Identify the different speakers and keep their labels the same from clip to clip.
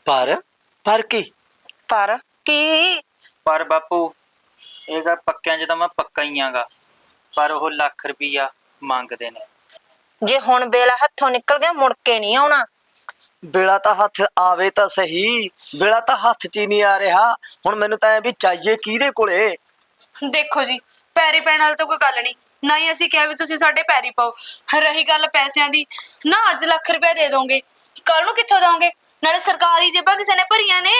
Speaker 1: ਪਰ ਪਰ ਕੀ?
Speaker 2: ਪਰ ਕੀ?
Speaker 3: ਪਰ ਬਾਪੂ ਇਹ ਗੱਲ ਪੱਕਿਆਂ 'ਚ ਤਾਂ ਮੈਂ ਪੱਕਾ ਹੀ ਆਂਗਾ, ਪਰ ਉਹ ਲੱਖ ਰੁਪਈਆ ਮੰਗਦੇ ਨੇ।
Speaker 2: ਜੇ ਹੁਣ ਵੇਲਾ ਹੱਥੋਂ ਨਿਕਲ ਗਿਆ ਮੁੜ ਕੇ ਨਹੀਂ ਆਉਣਾ।
Speaker 1: ਵੇਲਾ ਤਾਂ ਹੱਥ ਆਵੇ ਤਾਂ ਸਹੀ, ਵੇਲਾ ਤਾਂ ਹੱਥ 'ਚ ਹੀ ਨਹੀਂ ਆ ਰਿਹਾ। ਹੁਣ ਮੈਨੂੰ ਤਾਂ ਐ ਵੀ ਚਾਹੀਏ ਕਿਹਦੇ ਕੋਲੇ?
Speaker 4: ਦੇਖੋ ਜੀ, ਪੈਰੀ ਪੈਣ ਵਾਲੀ ਤਾਂ ਕੋਈ ਗੱਲ ਨਹੀਂ, ਨਾ ਹੀ ਅਸੀਂ ਕਿਹਾ ਵੀ ਤੁਸੀਂ ਸਾਡੇ ਪੈਰੀ ਪਾਓ। ਰਹੀ ਗੱਲ ਪੈਸਿਆਂ ਦੀ, ਨਾ ਅੱਜ ਲੱਖ ਰੁਪਏ ਦੇ ਦੋਗੇ, ਕੱਲ ਨੂੰ ਕਿੱਥੋਂ ਦੋਗੇ? ਨਾਲੇ ਸਰਕਾਰੀ ਜੇਬਾਂ ਕਿਸੇ ਨੇ ਭਰੀਆਂ ਨੇ।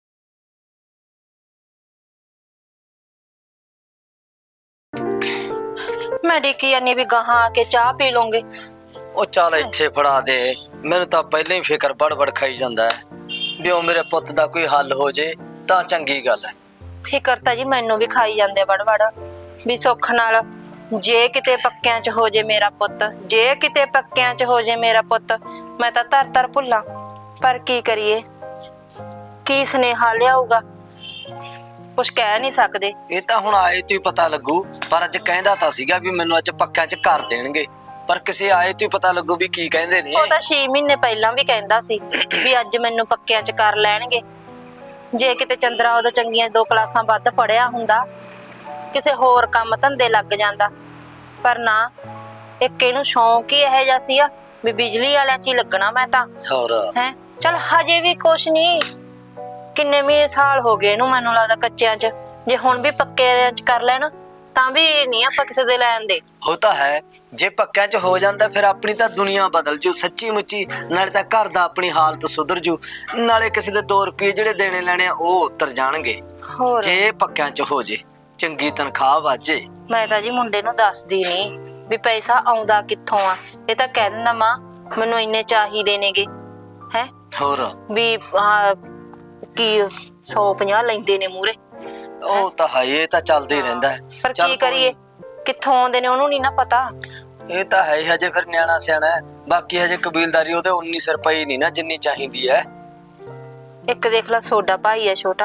Speaker 2: ਮੈਂ ਡਿੱਕੀ ਜਾਨੀ ਵੀ ਗਾਹਾਂ ਆ ਕੇ ਚਾਹ ਪੀ ਲਓਗੇ।
Speaker 1: ਉਹ ਚੱਲ ਇੱਥੇ ਫੜਾ ਦੇ, ਮੈਨੂੰ ਤਾਂ ਪਹਿਲਾਂ ਹੀ ਫਿਕਰ ਬੜਬੜ ਖਾਈ ਜਾਂਦਾ ਹੈ ਵੀ ਉਹ ਮੇਰੇ ਪੁੱਤ ਦਾ ਕੋਈ ਹੱਲ ਹੋ ਜੇ ਤਾਂ ਚੰਗੀ ਗੱਲ ਹੈ।
Speaker 2: ਫਿਕਰ ਤਾਂ ਜੀ ਮੈਨੂੰ ਵੀ ਖਾਈ ਜਾਂਦੇ ਵੜ ਵੀ ਸੁੱਖ ਨਾਲ ਜੇ ਕਿਤੇ ਪੱਕਿਆਂ 'ਚ ਹੋ ਜੇ ਮੇਰਾ ਪੁੱਤ, ਜੇ ਕਿਤੇ ਪੱਕਿਆਂ 'ਚ ਹੋ ਜੇ ਮੇਰਾ ਪੁੱਤ, ਮੈਂ ਤਾਂ ਧਰ ਭੁੱਲਾਂ। ਪਰ ਕੀ ਕਰੀਏ, ਕੀ ਸੁਨੇਹਾ ਲਿਆਊਗਾ, ਕੁਛ ਕਹਿ ਨਹੀਂ ਸਕਦੇ।
Speaker 1: ਇਹ ਤਾਂ ਹੁਣ ਆਏ ਤੋਂ ਹੀ ਪਤਾ ਲੱਗੂ, ਪਰ ਅੱਜ ਕਹਿੰਦਾ ਤਾਂ ਸੀਗਾ ਵੀ ਮੈਨੂੰ ਅੱਜ ਪੱਕਿਆਂ 'ਚ ਕਰ ਦੇਣਗੇ, ਪਰ ਕਿਸੇ ਆਏ ਤੋਂ ਹੀ ਪਤਾ ਲੱਗੂ ਵੀ ਕੀ ਕਹਿੰਦੇ ਨੇ।
Speaker 2: ਉਹ ਤਾਂ 6 ਮਹੀਨੇ ਪਹਿਲਾਂ ਵੀ ਕਹਿੰਦਾ ਸੀ ਵੀ ਅੱਜ ਮੈਨੂੰ ਪੱਕਿਆਂ 'ਚ ਕਰ ਲੈਣਗੇ। ਜੇ ਕਿਤੇ ਚੰਦਰਾ ਉਦੋਂ ਚੰਗੀਆਂ 2 ਕਲਾਸਾਂ ਵੱਧ ਪੜਿਆ ਹੁੰਦਾ, ਕਿਸੇ ਹੋਰ ਕੰਮ ਧੰਦੇ ਲੱਗ ਜਾਂਦਾ, ਪਰ ਨਾ, ਇੱਕ ਇਹਨੂੰ ਸ਼ੌਂਕ ਹੀ ਇਹੋ ਜਿਹਾ ਸੀ ਵੀ ਬਿਜਲੀ ਵਾਲਿਆਂ 'ਚ ਹੀ ਲੱਗਣਾ ਮੈਂ ਤਾਂ।
Speaker 1: ਹੋਰ
Speaker 2: ਹੈ ਚਲ ਹਜੇ ਵੀ ਕੁਛ ਨਹੀਂ, ਕਿੰਨੇ ਮਹੀਨੇ ਸਾਲ ਹੋ ਗਏ ਇਹਨੂੰ, ਮੈਨੂੰ ਲੱਗਦਾ ਕੱਚਿਆਂ 'ਚ। ਜੇ ਹੁਣ ਵੀ ਪੱਕਿਆਂ 'ਚ ਕਰ ਲੈਣ ਤਾਂ ਵੀ ਨਹੀਂ ਆਪਾਂ ਕਿਸੇ ਦੇ ਲੈਣ ਦੇ।
Speaker 1: ਉਹ ਤਾਂ ਹੈ, ਜੇ ਪੱਕਿਆਂ 'ਚ ਹੋ ਜਾਂਦਾ ਫਿਰ ਆਪਣੀ ਤਾਂ ਦੁਨੀਆ ਬਦਲ ਜੂ ਸੱਚੀ ਮੁੱਚੀ। ਨਾਲੇ ਤਾਂ ਘਰ ਦਾ ਆਪਣੀ ਹਾਲਤ ਸੁਧਰ ਜੂ, ਨਾਲੇ ਕਿਸੇ ਦੇ 2 ਰੁਪਏ ਜਿਹੜੇ ਦੇਣੇ ਲੈਣੇ ਆ ਉਹ ਉਤਰ ਜਾਣਗੇ।
Speaker 2: ਹੋਰ
Speaker 1: ਜੇ ਪੱਕਿਆਂ 'ਚ ਹੋ ਜੇ, ਚੰਗੀ ਤਨਖਾਹ ਵਾਜੇ।
Speaker 2: ਮੈਂ ਤਾਂ ਜੀ ਮੁੰਡੇ ਨੂੰ ਦੱਸਦੀ ਨਹੀਂ ਵੀ ਪੈਸਾ ਆਉਂਦਾ ਕਿੱਥੋਂ ਆ। ਇਹ ਤਾਂ ਕਹਿ ਦਿੰਦਾ ਮਾਂ ਮੈਨੂੰ ਇੰਨੇ ਚਾਹੀਦੇ ਨੇਗੇ, ਹੈ
Speaker 1: ਹੋਰ
Speaker 2: ਵੀ ਕੀ 150 ਲੈਂਦੇ ਨੇ ਮੂਰੇ।
Speaker 1: ਉਹ ਤਾਂ ਹੈ, ਇਹ ਤਾਂ ਚੱਲਦਾ ਹੀ ਰਹਿੰਦਾ ਹੈ।
Speaker 2: ਪਰ
Speaker 1: ਚੱਲ
Speaker 2: ਕੀ ਕਰੀਏ, ਕਿੱਥੋਂ ਆਉਂਦੇ ਨੇ ਉਹਨੂੰ ਨਹੀਂ ਨਾ ਪਤਾ।
Speaker 1: ਇਹ ਤਾਂ ਹੈ ਹੀ, ਹਜੇ ਫਿਰ ਨਿਆਣਾ ਸਿਆਣਾ ਹੈ। ਬਾਕੀ ਹਜੇ ਕਬੀਲਦਾਰੀ ਉਹਦੇ 19 ਰੁਪਏ ਨਹੀਂ ਨਾ ਜਿੰਨੀ ਚਾਹੀਦੀ ਹੈ।
Speaker 2: ਇੱਕ ਦੇਖ ਲੈ ਸੋਡਾ ਭਾਈ ਹੈ ਛੋਟਾ,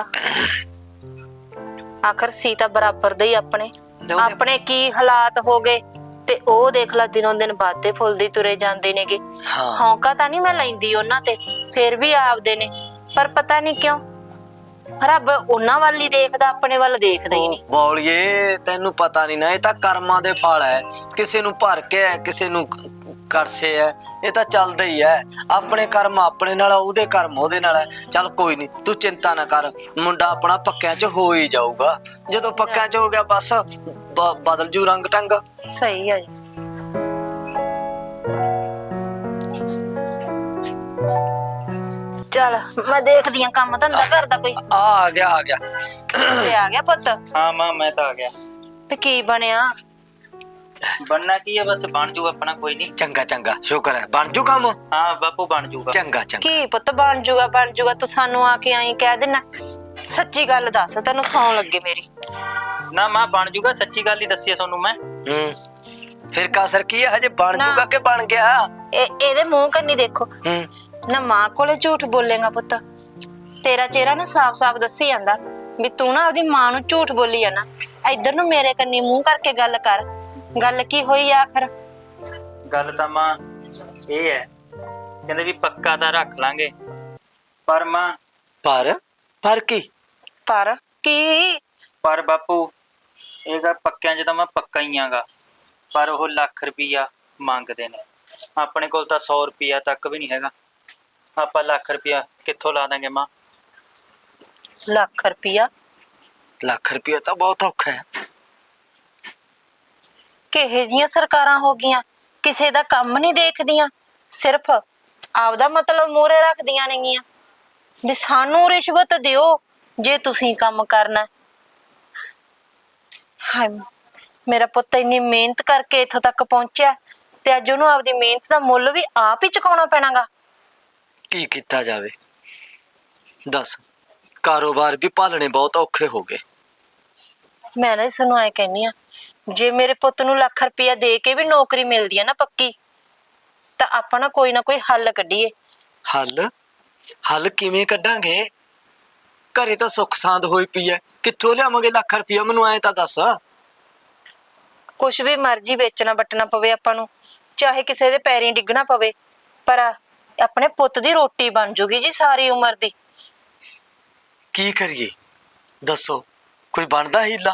Speaker 2: ਆਖਰ ਸੀ ਤਾਂ ਬਰਾਬਰ ਦੇ ਹੀ ਆਪਣੇ ਕੀ ਹਾਲਾਤ ਹੋ ਗਏ, ਤੇ ਉਹ ਦੇਖ ਲੈ ਦਿਨੋਂ ਦਿਨ ਵੱਧਦੇ ਫੁੱਲਦੇ ਤੁਰੇ ਜਾਂਦੇ ਨੇਗੇ। ਹੌਂਕਾ ਤਾਂ ਨਹੀਂ ਮੈਂ ਲੈਂਦੀ ਉਹਨਾਂ ਤੇ, ਫਿਰ ਵੀ ਆਪਦੇ ਨੇ, ਪਰ ਪਤਾ ਨਹੀਂ ਕਿਉਂ ਰੱਬ ਉਹਨਾਂ ਵੱਲ ਹੀ ਦੇਖਦਾ, ਆਪਣੇ ਵੱਲ ਦੇਖਦਾ ਹੀ ਨਹੀਂ।
Speaker 1: ਬੋਲੀਏ ਤੈਨੂੰ ਪਤਾ ਨਹੀਂ ਨਾ, ਇਹ ਤਾਂ ਕਰਮਾਂ ਦੇ ਫਲ ਹੈ। ਕਿਸੇ ਨੂੰ ਭਰ ਕੇ ਹੈ, ਕਿਸੇ ਨੂੰ ਕਰਸੇ ਹੈ, ਇਹ ਤਾਂ ਚੱਲਦਾ ਹੀ ਹੈ। ਆਪਣੇ ਕਰਮ ਆਪਣੇ ਨਾਲ, ਉਹਦੇ ਕਰਮ ਉਹਦੇ ਨਾਲ ਹੈ। ਚੱਲ ਕੋਈ ਨਹੀਂ, ਤੂੰ ਚਿੰਤਾ ਨਾ ਕਰ, ਮੁੰਡਾ ਆਪਣਾ ਪੱਕਿਆਂ 'ਚ ਹੋ ਹੀ ਜਾਊਗਾ। ਜਦੋਂ ਪੱਕਿਆਂ 'ਚ ਹੋ ਗਿਆ ਬਸ ਬਦਲ ਜੂ ਰੰਗ ਟੰਗ।
Speaker 2: ਸਹੀ ਹੈ ਜੀ। ਚੱਲ ਮੈਂ ਦੇਖਦੀ ਆ ਕੰਮ ਧੰਦਾ ਕਰਦਾ ਕੋਈ।
Speaker 1: ਆ ਗਿਆ
Speaker 2: ਤੇ ਆ ਗਿਆ ਪੁੱਤ?
Speaker 3: ਹਾਂ ਮਾਂ, ਮੈਂ ਤਾਂ ਆ ਗਿਆ।
Speaker 2: ਤੇ ਕੀ ਬਣਿਆ?
Speaker 3: ਬਣਨਾ ਕੀ ਹੈ, ਬਸ ਬਣ ਜੂ ਆਪਣਾ, ਕੋਈ ਨਹੀਂ।
Speaker 1: ਚੰਗਾ ਚੰਗਾ, ਸ਼ੁਕਰ ਹੈ ਬਣ ਜੂ ਕੰਮ।
Speaker 3: ਹਾਂ ਬਾਪੂ ਬਣ ਜੂਗਾ।
Speaker 1: ਚੰਗਾ ਚੰਗਾ।
Speaker 2: ਕੀ ਪੁੱਤ ਬਣ ਜੂਗਾ? ਤੂੰ ਸਾਨੂੰ ਆ ਕੇ ਆਈ ਕਹਿ ਦੇਣਾ। ਸੱਚੀ ਗੱਲ ਦੱਸ, ਤੈਨੂੰ ਸੌਂ ਲੱਗੇ ਮੇਰੀ।
Speaker 3: ਨਾ ਮਾਂ ਬਣ ਜੂਗਾ, ਸੱਚੀ ਗੱਲ ਹੀ ਦੱਸੀ ਤੁਹਾਨੂੰ ਮੈਂ।
Speaker 1: ਫਿਰ ਕਾਸਰ ਕੀ ਹੈ, ਹਜੇ ਬਣ ਜੂਗਾ ਕਿ ਬਣ ਗਿਆ?
Speaker 2: ਇਹਦੇ ਮੂੰਹ ਕੰਨੀ ਦੇਖੋ ਨਾ, ਮਾਂ ਕੋਲੇ ਝੂਠ ਬੋਲੇਗਾ ਪੁੱਤ? ਤੇਰਾ ਚਿਹਰਾ ਨਾ ਸਾਫ਼-ਸਾਫ਼ ਦੱਸੀ ਜਾਂਦਾ ਵੀ ਤੂੰ ਨਾ ਆਪਦੀ ਮਾਂ ਨੂੰ ਝੂਠ ਬੋਲੀ ਜਾਣਾ। ਇੱਧਰ ਨੂੰ ਮੇਰੇ ਕੰਨੀ ਮੂੰਹ ਕਰਕੇ ਗੱਲ ਕਰ। ਗੱਲ ਕੀ ਹੋਈ ਆਖਰ?
Speaker 3: ਗੱਲ ਤਾਂ ਮਾਂ ਇਹ ਹੈ, ਕਹਿੰਦੇ ਵੀ ਪੱਕਾ ਤਾਂ ਰੱਖ ਲਾਂਗੇ, ਪਰ ਮਾਂ
Speaker 1: ਪਰ ਕੀ?
Speaker 2: ਪਰ ਕੀ?
Speaker 3: ਪਰ ਬਾਪੂ ਇਹ ਗੱਲ ਪੱਕਿਆਂ 'ਚ ਤਾਂ ਮੈਂ ਪੱਕਾ ਹੀ ਆਂਗਾ, ਪਰ ਉਹ ਲੱਖ ਰੁਪਈਆ ਮੰਗਦੇ ਨੇ। ਆਪਣੇ ਕੋਲ ਤਾਂ 100 ਰੁਪਈਆ ਤੱਕ ਵੀ ਨਹੀਂ ਹੈਗਾ, ਆਪਾਂ ਲੱਖ ਰੁਪਈਆ ਕਿੱਥੋਂ ਲਾ ਦਾਂਗੇ ਮਾਂ?
Speaker 2: ਲੱਖ ਰੁਪਈਆ?
Speaker 1: ਲੱਖ ਰੁਪਈਆ ਤਾਂ ਬਹੁਤ ਔਖਾ ਹੈ।
Speaker 2: ਕਿਹੇ ਜੀਆਂ ਸਰਕਾਰਾਂ ਹੋ ਗਈਆਂ, ਕਿਸੇ ਦਾ ਕੰਮ ਨਹੀਂ ਦੇਖਦੀਆਂ, ਸਿਰਫ ਆਪਦਾ ਮਤਲਬ ਮੂਹਰੇ ਰੱਖਦੀਆਂ ਨੇਗੀਆਂ ਵੀ ਸਾਨੂੰ ਰਿਸ਼ਵਤ ਦਿਓ ਜੇ ਤੁਸੀਂ ਕੰਮ ਕਰਨਾ। ਹਾਏ ਮੇਰਾ ਪੁੱਤ ਇੰਨੀ ਮਿਹਨਤ ਕਰਕੇ ਇੱਥੋਂ ਤੱਕ ਪਹੁੰਚਿਆ, ਤੇ ਅੱਜ ਉਹਨੂੰ ਆਪਦੀ ਮਿਹਨਤ ਦਾ ਮੁੱਲ ਵੀ ਆਪ ਹੀ ਚੁਕਾਉਣਾ ਪੈਣਾਗਾ।
Speaker 1: ਕੀ ਕੀਤਾ ਜਾਵੇ ਦੱਸ, ਕਾਰੋਬਾਰ ਵੀ ਭਾਲਣੇ ਬਹੁਤ ਔਖੇ ਹੋ ਗਏ।
Speaker 2: ਮੈਂ ਨਾ ਤੁਹਾਨੂੰ ਐ ਕਹਿੰਨੀ ਆ, ਜੇ ਮੇਰੇ ਪੁੱਤ ਨੂੰ ਲੱਖ ਰੁਪਇਆ ਦੇ ਕੇ ਵੀ ਨੌਕਰੀ ਮਿਲਦੀ ਆ ਨਾ ਪੱਕੀ, ਤਾਂ ਆਪਾਂ ਨਾ ਕੋਈ ਹੱਲ ਕੱਢੀਏ।
Speaker 1: ਹੱਲ ਕਿਵੇਂ ਕੱਢਾਂਗੇ? ਘਰੇ ਤਾਂ ਸੁੱਖ ਸਾਂਦ ਹੋਈ ਪਈ ਐ, ਕਿੱਥੋਂ ਲਿਆਵਾਂਗੇ ਲੱਖ ਰੁਪਇਆ? ਮੈਨੂੰ ਐਂ ਤਾਂ ਦੱਸ।
Speaker 2: ਕੁਛ ਵੀ ਮਰਜ਼ੀ ਵੇਚਣਾ ਵੱਟਣਾ ਪਵੇ ਆਪਾਂ ਨੂੰ, ਚਾਹੇ ਕਿਸੇ ਦੇ ਪੈਰੀਂ ਡਿੱਗਣਾ ਪਵੇ, ਪਰ ਆਪਣੇ ਪੁੱਤ ਦੀ ਰੋਟੀ ਬਣ ਜੂਗੀ ਜੀ ਸਾਰੀ ਉਮਰ ਦੀ।
Speaker 1: ਕੀ ਕਰੀਏ ਦੱਸੋ, ਕੋਈ ਬਣਦਾ ਹੀਲਾ?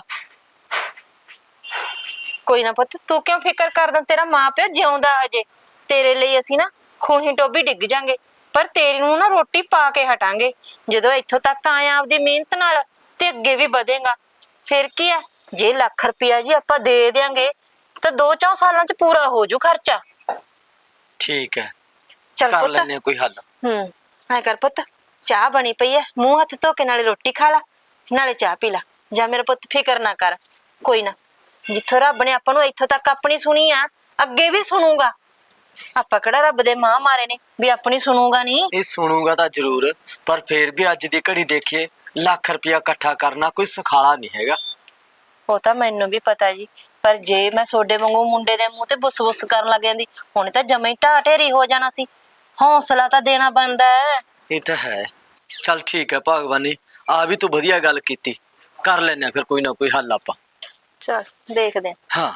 Speaker 2: ਕੋਈ ਨਾ ਪੁੱਤ, ਤੂੰ ਕਿਉਂ ਫਿਕਰ ਕਰਦਾ? ਤੇਰਾ ਮਾਂ ਪਿਓ ਜਿਉਂਦਾ ਅਜੇ, ਤੇਰੇ ਲਈ ਅਸੀਂ ਨਾ ਖੂਹੀ ਟੋਬੀ ਡਿੱਗ ਜਾਾਂਗੇ, ਪਰ ਤੇਰੀ ਨੂੰ ਨਾ ਰੋਟੀ ਪਾ ਕੇ ਹਟਾਂਗੇ। ਜਦੋਂ ਇੱਥੋਂ ਤੱਕ ਆਇਆ ਆਪਦੀ ਮਿਹਨਤ ਨਾਲ, ਤੇ ਅੱਗੇ ਵੀ ਵਧੇਗਾ। ਫਿਰ ਕੀ ਆ, ਜੇ ਲੱਖ ਰੁਪਇਆ ਜੀ ਆਪਾਂ ਦੇ ਦਿਆਂਗੇ ਤਾਂ 2-4 ਸਾਲਾਂ ਚ ਪੂਰਾ ਹੋ ਜੂ ਖਰਚਾ।
Speaker 1: ਠੀਕ ਹੈ,
Speaker 2: ਚੱਲ
Speaker 1: ਕਰ
Speaker 2: ਪੁੱਤ।
Speaker 1: ਲੈਨੇ ਕੋਈ ਹੱਲ।
Speaker 2: ਐ ਕਰ ਪੁੱਤ, ਚਾਹ ਬਣੀ ਪਈ ਐ, ਮੂੰਹ ਹੱਥ ਧੋ ਕੇ ਨਾਲੇ ਰੋਟੀ ਖਾ ਲਾ ਨਾਲੇ ਚਾਹ ਪੀ ਲਾ। ਜਾ ਮੇਰਾ ਪੁੱਤ, ਫਿਕਰ ਨਾ ਕਰ, ਕੋਈ ਨਾ, ਜਿੱਥੋਂ ਰੱਬ ਨੇ ਆਪਾਂ ਨੂੰ ਇੱਥੋਂ ਤੱਕ ਆਪਣੀ ਸੁਣੀ ਆ, ਅੱਗੇ ਵੀ ਸੁਣੂਗਾ। ਆਪਾਂ ਕਿਹੜਾ ਰੱਬ ਦੇ ਮਾਂ ਮਾਰੇ ਨੇ ਵੀ ਆਪਣੀ ਸੁਣੂਗਾ ਨਹੀਂ।
Speaker 1: ਇਹ ਸੁਣੂਗਾ ਤਾਂ ਜ਼ਰੂਰ, ਪਰ ਫੇਰ ਵੀ ਅੱਜ ਦੀ ਘੜੀ ਦੇਖੀਏ, ਲੱਖ ਰੁਪਇਆ ਇਕੱਠਾ ਕਰਨਾ ਕੋਈ ਸੁਖਾਲਾ ਨਹੀਂ ਹੈਗਾ।
Speaker 2: ਉਹ ਤਾਂ ਮੈਨੂੰ ਵੀ ਪਤਾ ਜੀ, ਪਰ ਜੇ ਮੈਂ ਸੋਡੇ ਵਾਂਗੂ ਮੁੰਡੇ ਦੇ ਮੂੰਹ ਤੇ ਬੁੱਸ-ਬੁੱਸ ਕਰਨ ਲੱਗ ਜਾਂਦੀ, ਹੁਣ ਤਾਂ ਜਮੇ ਹੀ ਢਾਹ ਢੇਰੀ ਹੋ ਜਾਣਾ ਸੀ। ਹੌਸਲਾ ਤਾਂ ਦੇਣਾ ਬਣਦਾ ਹੈ।
Speaker 1: ਇਹ ਤਾਂ ਹੈ। ਚੱਲ ਠੀਕ ਹੈ ਭਗਵਾਨੀ, ਆ ਵੀ ਤੂੰ ਵਧੀਆ ਗੱਲ ਕੀਤੀ, ਕਰ ਲੈਨੇ ਫਿਰ ਕੋਈ ਨਾ ਕੋਈ ਹੱਲ ਆਪਾਂ।
Speaker 2: ਚਲ ਦੇਖਦੇ ਆਂ।
Speaker 1: ਹਾਂ,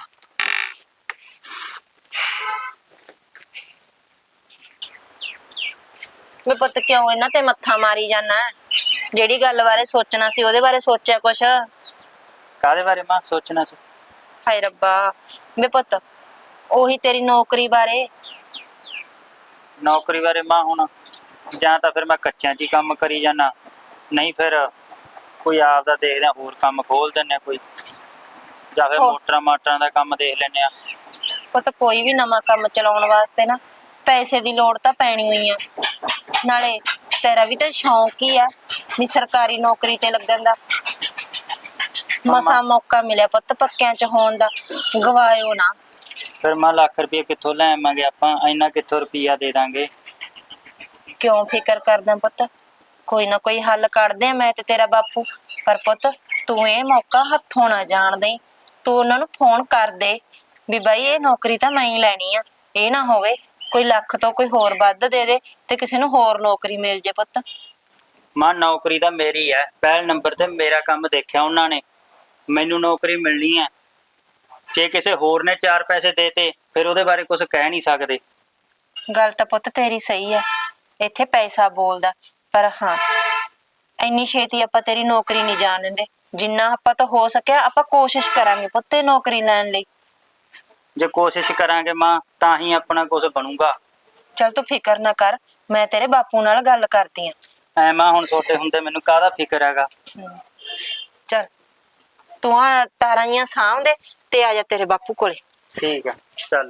Speaker 2: ਵੇ ਪੁੱਤ, ਕਿਉਂ ਇਹਨਾਂ ਤੇ ਮੱਥਾ ਮਾਰੀ ਜਾਣਾ? ਜਿਹੜੀ ਗੱਲ ਬਾਰੇ ਸੋਚਣਾ ਸੀ ਉਹਦੇ ਬਾਰੇ ਸੋਚਿਆ ਕੁਛ?
Speaker 3: ਕਾਹਦੇ ਬਾਰੇ ਮਾਂ ਸੋਚਣਾ ਸੀ?
Speaker 2: ਹਾਏ ਰੱਬਾ, ਵੇ ਪੁੱਤ, ਉਹੀ ਤੇਰੀ ਨੌਕਰੀ ਬਾਰੇ।
Speaker 3: ਨੌਕਰੀ ਬਾਰੇ ਮਾਂ, ਹੁਣ ਜਾਂ ਤਾਂ ਫਿਰ ਮੈਂ ਕੱਚਿਆਂ 'ਚ ਹੀ ਕੰਮ ਕਰੀ ਜਾਣਾ, ਨਹੀਂ ਫਿਰ ਕੋਈ ਆਪਦਾ ਦੇਖਦੇ ਆ, ਹੋਰ ਕੰਮ ਖੋਲ ਦਿੰਦੇ ਆ ਕੋਈ, ਜਾਂ ਫਿਰ
Speaker 2: ਹੋ।
Speaker 3: ਮੋਟਰਾਂ ਮਾਟਰਾਂ ਦਾ ਕੰਮ ਦੇਖ ਲੈਂਦੇ ਆ।
Speaker 2: ਪੁੱਤ, ਕੋਈ ਵੀ ਨਵਾਂ ਕੰਮ ਚਲਾਉਣ ਵਾਸਤੇ ਨਾ ਪੈਸੇ ਦੀ ਲੋੜ ਤਾਂ ਪੈਣੀ ਹੋਈ ਆ। ਨਾਲੇ ਤੇਰਾ ਵੀ ਤਾਂ ਸ਼ੌਂਕ ਹੀ ਆ ਵੀ ਸਰਕਾਰੀ ਨੌਕਰੀ ਤੇ ਲੱਗਣ ਦਾ। ਮਸਾ ਮੌਕਾ ਮਿਲਿਆ ਪੁੱਤ ਪੱਕਿਆਂ ਚ ਹੋਣ ਦਾ, ਗਵਾਇਓ ਨਾ।
Speaker 3: ਫਿਰ ਮਾਂ ਲੱਖ ਰੁਪਏ ਕਿੱਥੋਂ ਲੈ ਆਵਾਂਗੇ ਆਪਾਂ, ਇੰਨਾ ਕਿੱਥੋਂ ਰੁਪਈਆ ਦੇ ਦਾਂਗੇ?
Speaker 2: ਕਿਉਂ ਫਿਕਰ ਕਰਦਾ ਪੁੱਤ? ਕੋਈ ਨਾ ਕੋਈ ਹੱਲ ਕੱਢਦੇ ਆ ਮੈਂ ਤੇ ਤੇਰਾ ਬਾਪੂ। ਪਰ ਪੁੱਤ, ਤੂੰ ਇਹ ਮੌਕਾ ਹੱਥੋਂ ਨਾ ਜਾਣ ਦੇਈਂ। ਤੂੰ ਉਹਨਾਂ ਨੂੰ ਫੋਨ ਕਰ ਦੇ ਵੀ ਬਾਈ ਇਹ ਨੌਕਰੀ ਤਾਂ ਮੈਂ ਹੀ ਲੈਣੀ ਆ। ਇਹ ਨਾ ਹੋਵੇ ਕੋਈ ਲੱਖ ਤੋਂ ਕੋਈ ਹੋਰ ਵੱਧ ਦੇ ਦੇ ਤੇ ਕਿਸੇ ਨੂੰ ਹੋਰ ਨੌਕਰੀ ਮਿਲ ਜੇ ਪੁੱਤ।
Speaker 3: ਮਾਂ ਨੌਕਰੀ ਤਾਂ ਮੇਰੀ ਹੈ, ਪਹਿਲ ਨੰਬਰ ਤੇ ਮੇਰਾ ਕੰਮ ਦੇਖਿਆ ਉਹਨਾਂ ਨੇ, ਮੈਨੂੰ ਨੌਕਰੀ ਮਿਲਣੀ ਹੈ। ਜੇ ਕਿਸੇ ਹੋਰ ਨੇ 4 ਪੈਸੇ ਦੇਤੇ ਫਿਰ ਉਹਦੇ ਬਾਰੇ ਕੁਝ ਕਹਿ ਨਹੀਂ ਸਕਦੇ।
Speaker 2: ਗੱਲ ਤਾਂ ਪੁੱਤ ਤੇਰੀ ਸਹੀ ਆ, ਇੱਥੇ ਪੈਸਾ ਬੋਲਦਾ, ਪਰ ਹਾਂ ਇੰਨੀ ਛੇਤੀ ਆਪਾਂ ਤੇਰੀ ਨੌਕਰੀ ਨਹੀਂ ਜਾਣ ਦਿੰਦੇ। ਜਿੰਨਾ ਆਪਾਂ ਤੋਂ ਹੋ ਸਕਿਆ ਆਪਾਂ ਕੋਸ਼ਿਸ਼ ਕਰਾਂਗੇ ਪੁੱਤ ਇਹ ਨੌਕਰੀ ਲੈਣ ਲਈ।
Speaker 3: ਜੇ ਕੋਸ਼ਿਸ਼ ਕਰਾਂਗੇ ਮਾਂ ਤਾਂ ਹੀ ਆਪਣਾ ਕੁਝ ਬਣੂਗਾ।
Speaker 2: ਚੱਲ ਤੂੰ ਫਿਕਰ ਨਾ ਕਰ, ਮੈਂ ਤੇਰੇ ਬਾਪੂ ਨਾਲ ਗੱਲ ਕਰਦੀ ਆ।
Speaker 3: ਐ ਮਾਂ ਹੁਣ ਛੋਟੇ ਹੁੰਦੇ ਮੈਨੂੰ ਕਾਹਦਾ ਫਿਕਰ ਹੈਗਾ।
Speaker 2: ਚੱਲ ਤੂੰ ਆ ਤਾਰਾਂ ਜੀਆਂ ਸਾਂਭ ਦੇ ਤੇ ਆ ਜਾ ਤੇਰੇ ਬਾਪੂ ਕੋਲੇ।
Speaker 3: ਠੀਕ ਹੈ, ਚੱਲ।